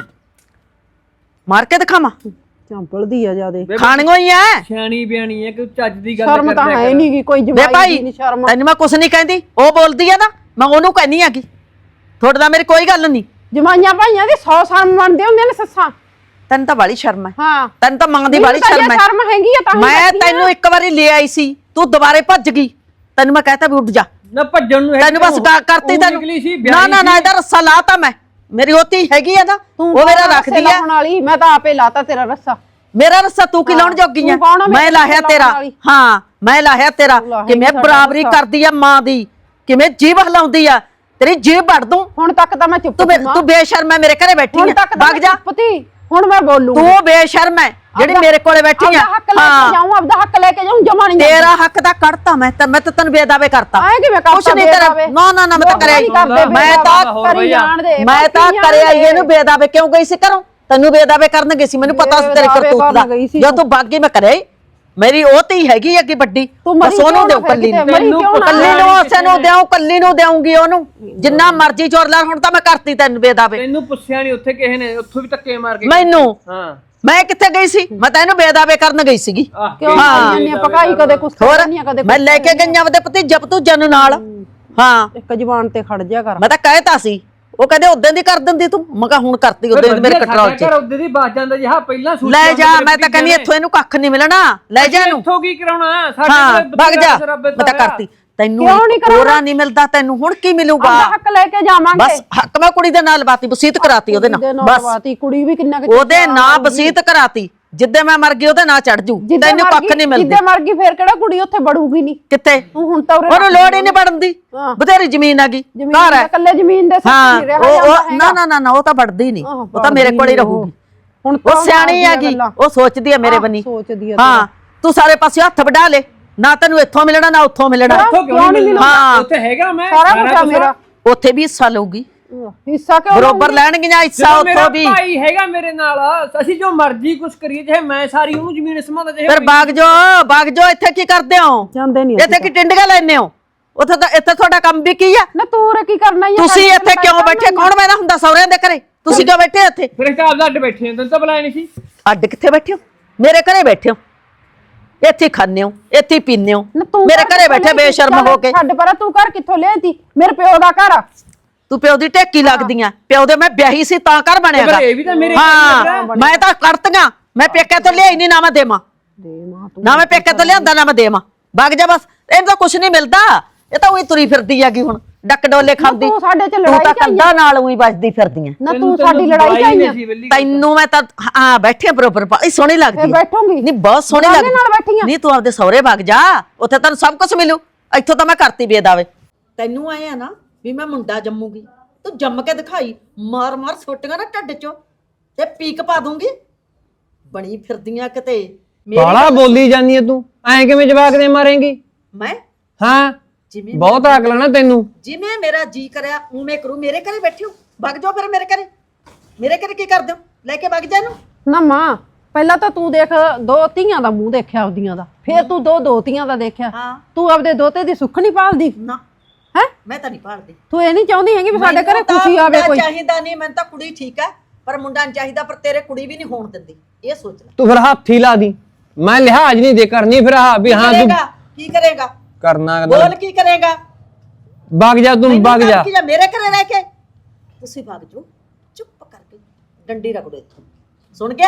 S7: ਮਾਰ ਕੇ ਦਿਖਾਵਾਂ
S6: ਚੰਪਲਦੀ ਆ ਜਿਆਦੇ
S7: ਖਾਣੀਆਂ ਹੀ ਐ
S5: ਸਿਆਣੀ ਬਿਆਣੀ ਹੈ ਕਿ ਚੱਜ ਦੀ ਗੱਲ
S6: ਸ਼ਰਮ ਤਾਂ ਹੈ ਨਹੀਂ ਗੀ ਕੋਈ
S7: ਵੇ
S6: ਜਵਾਈ
S7: ਭਾਈ
S6: ਨਹੀਂ ਸ਼ਰਮ।
S7: ਤੈਨੂੰ ਮੈਂ ਕੁਛ ਨਹੀਂ ਕਹਿੰਦੀ ਉਹ ਬੋਲਦੀ ਆ ਨਾ ਮੈਂ ਉਹਨੂੰ ਕਹਿੰਦੀ ਹੈਗੀ ਤੁਹਾਡੇ ਨਾਲ ਮੇਰੀ ਕੋਈ ਗੱਲ ਨਹੀਂ।
S6: ਜਮਾਈਆਂ ਭਾਈਆਂ ਦੀ ਸੌ ਸ਼ਰਮ ਮੰਨਦੇ ਹੁੰਦੇ ਨੇ ਸੱਸਾਂ।
S7: ਤੈਨੂੰ ਤਾਂ ਬਾਲੀ ਸ਼ਰਮ ਹੈ
S6: ਹਾਂ
S7: ਤੈਨੂੰ ਤਾਂ ਮਾਂ ਦੀ ਬਾਲੀ
S6: ਮੈਨੂੰ ਤਾਂ
S7: ਸ਼ਰਮ ਹੈ।
S6: ਸ਼ਰਮ ਹੈਗੀ ਆ ਤਾਂ ਹੀ
S7: ਮੈਂ
S6: ਬੈਠੀ ਆ।
S7: ਤੈਨੂੰ ਇੱਕ ਵਾਰੀ ਲੈ ਆਈ ਸੀ ਤੂੰ ਦੁਬਾਰੇ ਭੱਜ ਗਈ ਤੈਨੂੰ ਮੈਂ ਕਹਿਤਾ ਵੀ ਉੱਠ ਜਾ
S5: ਨਾ ਭੱਜਣ ਨੂੰ
S7: ਤੈਨੂੰ ਬਸ ਗਾ- ਕਰਤੀ ਤੈਨੂੰ ਨਾ ਨਾ ਨਾ ਇਹਦਾ ਰੱਸਾ ਲਾਤਾ ਮੈਂ ਮੇਰੀ ਹੋਤੀ ਹੈਗੀ ਆ ਨਾ
S6: ਤੂੰ
S7: ਉਹ ਮੇਰਾ
S6: ਕੌਣ ਆ
S7: ਰੱਖਦੀ
S6: ਰੱਸੇ
S7: ਆ
S6: ਲਾਉਣ ਵਾਲੀ ਮੈਂ ਤਾਂ ਆਪੇ ਲਾਤਾ ਤੇਰਾ ਰੱਸਾ।
S7: ਮੇਰਾ ਰੱਸਾ ਤੂੰ ਕੀ ਲਾਉਣ ਜੋਗੀ ਆ
S6: ਤੂੰ ਕੌਣ ਆ ਮੇਰੇ
S7: ਮੈਂ ਲਾਹਿਆ
S6: ਰੱਸੇ
S7: ਤੇਰਾ
S6: ਲਾਉਣ ਵਾਲੀ?
S7: ਹਾਂ ਮੈਂ ਲਾਹਿਆ ਤੇਰਾ
S6: ਲਾਹੇਗੀ
S7: ਕਿਵੇਂ
S6: ਸਾਡਾ
S7: ਬਰਾਬਰੀ
S6: ਰੱਸਾ।
S7: ਕਰਦੀ ਆ ਮਾਂ ਦੀ ਕਿਵੇਂ ਜੀਭ ਹਲਾਉਂਦੀ ਆ ਤੇਰੀ ਜੀਭ ਵੜ ਦੂੰ
S6: ਹੁਣ ਤੱਕ ਤਾਂ ਮੈਂ ਚੁੱਪ
S7: ਤੂੰ
S6: ਸੀ
S7: ਬੇ-
S6: ਮਾਂ।
S7: ਤੂੰ ਬੇਸ਼ਰਮ ਹੈ ਮੇਰੇ ਘਰੇ ਬੈਠੀ
S6: ਹੁਣ
S7: ਆ
S6: ਤੱਕ ਤਾਂ
S7: ਵਗ ਜਾ
S6: ਚੁੱਪ ਤੀ ਹੁਣ ਮੈਂ ਬੋਲੂੰਗੀ।
S7: ਤੂੰ ਬੇਸ਼ਰਮ ਹੈ ਜਿਹੜੀ
S6: ਆਪਦਾ-
S7: ਮੇਰੇ ਕੋਲੇ ਬੈਠੀ ਆ
S6: ਆਪਦਾ ਹੱਕ ਲੈ ਕੇ ਜਾਊਂ ਆਪਦਾ ਹੱਕ ਲੈ ਕੇ ਜਾਊਂ ਜਮਾ ਨਹੀਂ
S7: ਤੇਰਾ ਹੱਕ ਤਾਂ ਕੱਢਤਾ ਮੈਂ ਤਾਂ ਮੈਂ ਤਾਂ ਤੈਨੂੰ ਬੇਦਾਵੇ ਕਰਤਾ
S6: ਆਏ ਕਿਵੇਂ ਕਰਤਾ
S7: ਕੁਛ ਨਹੀਂ ਤੇਰਾ
S6: ਬੇਦਾਵੇ?
S7: ਨਾ ਨਾ ਨਾ ਮੈਂ ਤਾਂ
S6: ਲੋਕ
S7: ਕਰਿਆ
S6: ਨਹੀਂ ਕਰਦੇ
S7: ਹੀ ਮੈਂ ਤਾਂ
S6: ਬੇਦਾਵਾ, ਕਰੀ ਜਾਣ ਦੇ
S7: ਮੈਂ ਤਾਂ
S6: ਬਾਕੀ
S7: ਕਰਿਆ
S6: ਜਾਣ ਦੇ।
S7: ਇਹਨੂੰ ਬੇਦਾਵੇ ਕਿਉਂ ਗਈ ਸੀ ਘਰੋਂ ਤੈਨੂੰ ਬੇਦਾਵੇ ਕਰਨ ਗਈ ਸੀ ਮੈਨੂੰ ਪਤਾ ਸੀ ਤੇਰੇ
S6: ਬੇਦਾਵੇ
S7: ਕਰਤੂਤ ਦਾ
S6: ਕਰਨ ਗਈ ਸੀ
S7: ਜੋ ਤੂੰ ਬਾਗੀ ਮੈਂ ਕਰਿਆ ਹੀ ਮੇਰੀ ਉਹ ਧੀ ਹੈਗੀ ਅੱਗੇ ਵੱਡੀ
S6: ਤੂੰ ਮਰੀ
S7: ਉਹਨੂੰ
S6: ਕਿਉਂ
S7: ਦੇਉ
S6: ਨਾ
S7: ਕੱਲੀ ਨੂੰ
S6: ਫਿਰ ਕਿਤੇ, ਮਰੀ ਕਿਉਂ ਨਾ?
S7: ਕੱਲੀ ਨੂੰ ਉਸੇ ਨੂੰ ਦੇਉ ਕੱਲੀ ਨੂੰ ਦੇਉਂਗੀ ਉਹਨੂੰ ਜਿੰਨਾ ਮਰਜ਼ੀ ਚੋਰ ਲੈ ਹੁਣ ਤਾਂ ਮੈਂ ਕਰਤੀ ਤੈਨੂੰ ਬੇਦਾਵੇ
S5: ਤੈਨੂੰ ਪੁੱਛਿਆ ਨਹੀਂ ਉੱਥੇ ਕਿਸੇ ਨੇ ਉੱਥੋਂ ਵੀ ਧੱਕੇ ਮਾਰ ਕੇ
S7: ਮੈਨੂੰ
S5: ਹਾਂ
S7: ਮੈਂ ਕਿੱਥੇ ਗਈ ਸੀ ਮੈਂ ਤਾਂ ਇਹਨੂੰ ਬੇਦਾਵੇ ਕਰਨ ਗਈ ਸੀਗੀ
S6: ਕਿਉਂ ਖਾਈਆਂ ਨੇ ਪਕਾਈ ਕਦੇ ਕੁਛ
S7: ਹੋਰ
S6: ਕਰਨੀਆਂ ਕਦੇ
S7: ਮੈਂ ਲੈ ਕੇ ਗਈਆਂ ਉਹਦੇ ਭਤੀਜਾ ਭਤੂਜਾ ਨੂੰ ਨਾਲ ਹਾਂ
S6: ਇੱਕ ਜ਼ਬਾਨ ਤੇ ਖੜ ਜਾ ਕਰ।
S7: ਮੈਂ ਤਾਂ ਕਹਿਤਾ ਸੀ ਉਹ ਕਹਿੰਦੇ ਉਦੋਂ ਦੀ ਕਰ ਦਿੰਦੀ ਤੂੰ ਮੈਂ ਕਿਹਾ ਹੁਣ ਕਰਤੀ ਉਦੋਂ ਦੀ ਮੇਰੇ ਕੰਟਰੋਲ 'ਚ
S5: ਘਰ ਉਹਦੇ ਦੀ ਬਾਜ ਜਾਂਦਾ ਜਿਹਾ ਪਹਿਲਾਂ ਸੂਟ
S7: ਲੈ ਜਾ ਮੈਂ ਤਾਂ ਕਹਿੰਦੀ ਇੱਥੋਂ ਇਹਨੂੰ ਕੱਖ ਨਹੀਂ ਮਿਲਣਾ ਲੈ ਜਾ ਇਹਨੂੰ
S5: ਇੱਥੋਂ ਕੀ ਕਰਾਉਣਾ
S7: ਹਾਂ
S5: ਸਾਡੇ
S7: ਵਗ ਜਾ ਮੈਂ ਤਾਂ ਕਰਤੀ ਤੈਨੂੰ
S6: ਕਿਉਂ ਨਹੀਂ ਕਰਾਉਣਾ?
S7: ਕੋਰਾ ਨਹੀਂ ਮਿਲਦਾ ਤੈਨੂੰ ਹੁਣ ਕੀ ਮਿਲੂਗਾ
S6: ਆਪਦਾ ਹੱਕ ਲੈ ਕੇ ਜਾਵਾਂਗੇ।
S7: ਬਸ ਹੱਕ ਮੈਂ ਕੁੜੀ ਦੇ ਨਾਲ ਬਾਤੀ ਵਸੀਤ ਕਰਾਤੀ ਉਹਦੇ ਨਾਲ ਬਸ
S6: ਬਾਤੀ ਕੁੜੀ ਵੀ ਕਿੰਨਾ ਕੁ
S7: ਉਹਦੇ ਨਾਂ ਵਸੀਤ ਕਰਾਤੀ ਜਿੱਦੇ ਮੈਂ ਮਰ ਗਈ ਉਹਦੇ ਨਾਂ ਚੜ ਜੂ
S6: ਜਿੱਦੇ
S7: ਤੈਨੂੰ
S6: ਮਰ
S7: ਕੱਖ
S6: ਗਈ-
S7: ਨਹੀਂ ਮਿਲਦੀ
S6: ਜਿੱਦੇ ਮਰ ਗਈ ਫੇਰ ਕਿਹੜਾ ਕੁੜੀ ਉੱਥੇ ਬੜੂਗੀ ਨਹੀਂ
S7: ਕਿੱਥੇ
S6: ਤੂੰ ਹੁਣ ਤਾਂ ਉਰੇ
S7: ਉਹਨੂੰ ਲੋੜ ਹੀ ਨਹੀਂ ਪੜਨ ਦੀ
S6: ਹਾਂ।
S7: ਬਥੇਰੀ ਜ਼ਮੀਨ ਆ ਗਈ
S6: ਜ਼ਮੀਨ
S7: ਘਰ
S6: ਦਾ
S7: ਹੈ
S6: ਇਕੱਲੇ ਜ਼ਮੀਨ ਦੇ
S7: ਹਾਂ
S6: ਸੱਤ ਨਹੀਂ ਰਿਹਾ
S7: ਉਹ
S6: ਜਾਂਦਾ
S7: ਉਹ
S6: ਹੈਗਾ।
S7: ਨਾ ਨਾ ਨਾ ਨਾ ਉਹ ਤਾਂ ਵੜਦੀ ਨਹੀਂ
S6: ਆਹ,
S7: ਉਹ ਤਾਂ ਮੇਰੇ ਕੋਲ ਹੀ
S6: ਵੜਦੀ
S7: ਰਹੂਗੀ
S6: ਹੁਣ
S7: ਉਹ ਸਿਆਣੀ
S6: ਮਾਰਦੀਆਂ
S7: ਹੈਗੀ
S6: ਗੱਲਾਂ।
S7: ਉਹ ਸੋਚਦੀ ਹੈ ਮੇਰੇ
S6: ਆਹ,
S7: ਬਣੀ
S6: ਸੋਚਦੀ ਆ
S7: ਹਾਂ ਤੂੰ ਸਾਰੇ ਪਾਸੇ ਹੱਥ ਵਢਾ ਲੈ, ਨਾ ਤੈਨੂੰ ਇੱਥੋਂ ਮਿਲਣਾ ਨਾ ਉੱਥੋਂ ਮਿਲਣਾ।
S6: ਕਿਉਂ ਨਹੀਂ ਮਿਲਣਾ?
S7: ਹਾਂ
S5: ਉੱਥੇ ਹੈਗਾ ਮੈਂ
S6: ਸਾਰਾ ਕੁਝ ਆ ਮੇਰਾ।
S7: ਉੱਥੇ ਵੀ ਹਿੱਸਾ ਲਊਗੀ,
S6: ਹਿੱਸਾ ਕਿਉਂ
S7: ਬਰੋਬਰ ਲੈਣਗੀਆਂ ਹਿੱਸਾ
S5: ਜਦੋਂ ਮੇਰਾ
S7: ਉੱਥੋਂ ਵੀ।
S5: ਭਾਈ ਹੈਗਾ ਮੇਰੇ ਨਾਲ, ਅਸੀਂ ਜੋ ਮਰਜ਼ੀ ਕੁਛ ਕਰੀਏ, ਚਾਹੇ ਮੈਂ ਸਾਰੀ ਉਹਨੂੰ ਜ਼ਮੀਨ ਸਮਾਦਾ ਚਾਹੇ
S7: ਫਿਰ ਬਾਗ ਜੋ ਬਾਗ ਜੋ ਇੱਥੇ ਕੀ ਕਰਦੇ ਹੋ?
S6: ਜਾਂਦੇ ਨਹੀਂ
S7: ਇੱਥੇ ਕੀ ਟਿੰਡੀਆਂ ਲੈਣੇ ਹੋ? ਉੱਥੇ ਤਾਂ ਇੱਥੇ ਤੁਹਾਡਾ ਕੰਮ ਵੀ ਕੀ ਆ?
S6: ਨਾ ਤੂੰ ਰੇ ਕੀ ਕਰਨਾ ਹੀ
S7: ਤੁਸੀਂ ਇੱਥੇ ਕਿਉਂ ਬੈਠੇ? ਕੌਣ ਬੈਠਾ ਹੁੰਦਾ ਸਹੁਰਿਆਂ ਦੇ ਘਰੇ? ਤੁਸੀਂ ਕਿਉਂ ਬੈਠੇ ਇੱਥੇ?
S5: ਫਿਰ ਇੱਕ ਆਪਦਾ ਅੱਡ ਬੈਠੇ ਤੈਨੂੰ ਤਾਂ ਬੁਲਾਇਆ ਨਹੀਂ ਸੀ।
S7: ਅੱਡ ਕਿੱਥੇ ਬੈਠੇ ਹੋ? ਮੇਰੇ ਘਰੇ ਬੈਠੇ ਹੋ, ਇੱਥੇ ਖਾਂਦੇ ਹੋ, ਇੱਥੇ ਪੀਂਦੇ ਹੋ, ਮੇਰੇ ਘਰੇ ਬੈਠੇ ਬੇਸ਼ਰਮ ਹੋ ਕੇ।
S6: ਛੱਡ ਪਰਾ, ਤੂੰ ਘਰ ਕਿੱਥੋਂ ਲਿਆਤੀ? ਮੇਰੇ ਪਿਓ ਦਾ ਘਰ ਆ।
S7: ਤੂੰ ਪਿਓ ਦੀ ਢੇਕੀ ਲੱਗਦੀਆਂ, ਪਿਓ ਦੇ ਮੈਂ ਵਿਆਹੀ ਸੀ ਤਾਂ ਘਰ ਬਣਿਆਗਾ।
S5: ਇਹ ਵੀ ਤਾਂ ਮੇਰੇ
S7: ਹਾਂ ਮੈਂ ਤਾਂ ਕਰਤੀਆਂ, ਮੈਂ ਪੇਕੇ ਤੋਂ ਲਿਆਈ ਨਹੀਂ, ਨਾ ਮੈਂ ਦੇਵਾਂ, ਨਾ ਮੈਂ ਪੇਕੇ ਤੋਂ ਲਿਆਂਦਾ ਨਾ ਮੈਂ ਦੇਵਾਂ। ਵਗ ਜਾ ਬਸ, ਇਹਨੂੰ ਤਾਂ ਕੁਛ ਨਹੀਂ ਮਿਲਦਾ, ਇਹ ਤਾਂ ਉਹੀ ਤੁਰੀ ਫਿਰਦੀ ਹੈਗੀ ਹੁਣ ਡੱਕ ਡੋਲੇ ਖਾਂਦੀ।
S6: ਤੂੰ ਸਾਡੇ ਚ
S7: ਤੂੰ
S6: ਲੜਾਈ
S7: ਤਾਂ
S6: ਚਾਹੀਏ
S7: ਕੰਧਾਂ ਨਾਲ ਉਹੀ ਵੱਜਦੀ ਫਿਰਦੀ ਐ।
S6: ਨਾ ਤੂੰ ਸਾਡੀ ਲੜਾਈ ਚਾਹੀਏ।
S7: ਤੈਨੂੰ ਮੈਂ ਤਾਂ ਹਾਂ ਬੈਠੇ ਬਰੋਬਰ ਬੜੀ ਸੋਹਣੀ ਲੱਗਦੀ
S6: ਫੇਰ ਬੈਠੂੰਗੀ।
S7: ਨਹੀਂ ਬਹੁਤ ਸੋਹਣੀ
S6: ਨਾਲ
S7: ਲੱਗਦੀ
S6: ਬੈਠੀ ਆਂ।
S7: ਨਹੀਂ ਤੂੰ ਆਪਦੇ ਸਹੁਰੇ ਵਗ ਜਾ, ਉੱਥੇ ਤੈਨੂੰ ਸਭ ਕੁਝ ਮਿਲੂ। ਇੱਥੋਂ ਤਾਂ ਮੈਂ ਕਰਤੀ ਬੇਦਾਵੇ। ਤੈਨੂੰ ਆਏ ਆ ਨਾ ਵੀ ਮੈਂ ਮੁੰਡਾ ਜੰਮੂਗੀ, ਤੂੰ ਜੰਮ ਕੇ ਦਿਖਾਈ, ਮਾਰ ਮਾਰ ਸੋਟੀਆਂ ਨਾ ਢੱਡ ਚੋਂ ਤੇ ਪੀਕ ਪਾ ਦੂੰਗੀ। ਬਣੀ ਫਿਰਦੀਆਂ ਕਿਤੇ
S8: ਬਾਲਾ ਬੋਲੀ ਜਾਂਦੀ ਐ ਤੂੰ, ਐਂ ਕਿਵੇਂ ਜਵਾਕ ਦੇ ਮਾਰੇਂਗੀ?
S7: ਮੈਂ
S8: ਹਾਂ
S7: ਜਿਵੇਂ
S8: ਬਹੁਤ ਅਕਲ ਆ ਨਾ ਤੈਨੂੰ।
S7: ਜਿਵੇਂ ਮੇਰਾ ਜੀ ਕਰਿਆ ਉਵੇਂ ਕਰੂ। ਮੇਰੇ ਘਰੇ ਬੈਠੇ ਹੋ, ਵਗ ਜਾਓ ਫਿਰ ਮੇਰੇ ਘਰੇ। ਮੇਰੇ ਘਰੇ ਕੀ ਕਰਦੇ ਹੋ? ਲੈ ਕੇ ਵਗ ਜਾ ਇਹਨੂੰ।
S6: ਨਾ ਮਾਂ, ਪਹਿਲਾਂ ਤਾਂ ਤੂੰ ਦੇਖ ਦੋ ਧੀਆਂ ਦਾ ਮੂੰਹ ਦੇਖਿਆ ਆਪਦੀਆਂ ਦਾ, ਫੇਰ ਤੂੰ ਦੋ ਦੋਤੀਆਂ ਦਾ ਦੇਖਿਆ।
S7: ਹਾਂ।
S6: ਤੂੰ ਆਪਦੇ ਦੋਤੇ ਦੀ ਸੁੱਖ ਨਹੀਂ ਪਾਲਦੀ
S7: ਨਾ
S6: ਹੈ?
S7: ਮੈਂ ਤਾਂ ਨਹੀਂ ਭਾਲਦੀ।
S6: ਤੂੰ ਇਹ ਨਹੀਂ ਚਾਹੁੰਦੀ ਹੈਗੀ ਵੀ ਸਾਡੇ ਘਰੇ
S7: ਮੈਨੂੰ ਤਾਂ
S6: ਖੁਸ਼ੀ ਆਵੇ
S7: ਮੁੰਡਾ
S6: ਕੋਈ?
S7: ਚਾਹੀਦਾ ਨਹੀਂ, ਮੈਨੂੰ ਤਾਂ ਕੁੜੀ ਠੀਕ ਹੈ, ਪਰ ਮੁੰਡਾ ਨਹੀਂ ਚਾਹੀਦਾ। ਪਰ ਤੇਰੇ ਕੁੜੀ ਵੀ ਨਹੀਂ ਹੋਣ ਦਿੰਦੀ, ਇਹ ਸੋਚ ਲੈ।
S8: ਤੂੰ ਫਿਰ ਹੱਥ ਹੀ ਲਾ ਦੀ, ਮੈਂ ਲਿਹਾਜ਼ ਨਹੀਂ ਦੇ ਕਰਨੀ ਫਿਰ ਹਾਂ ਵੀ ਹਾਂ ਤੂੰ
S7: ਕਰੇਗਾ ਕੀ ਕਰੇਗਾ?
S8: ਕਰਨਾ
S7: ਬੋਲ ਕੀ ਕਰੇਗਾ?
S8: ਵਗ ਜਾ ਤੂੰ, ਵਗ ਜਾ।
S7: ਕੀ ਜਾ ਮੇਰੇ ਘਰੇ ਰਹਿ ਕੇ? ਤੁਸੀਂ ਵਗ ਜਾਓ ਚੁੱਪ ਕਰਕੇ, ਡੰਡੀ ਰਗੜੋ ਇੱਥੋਂ। ਸੁਣ ਗਿਆ?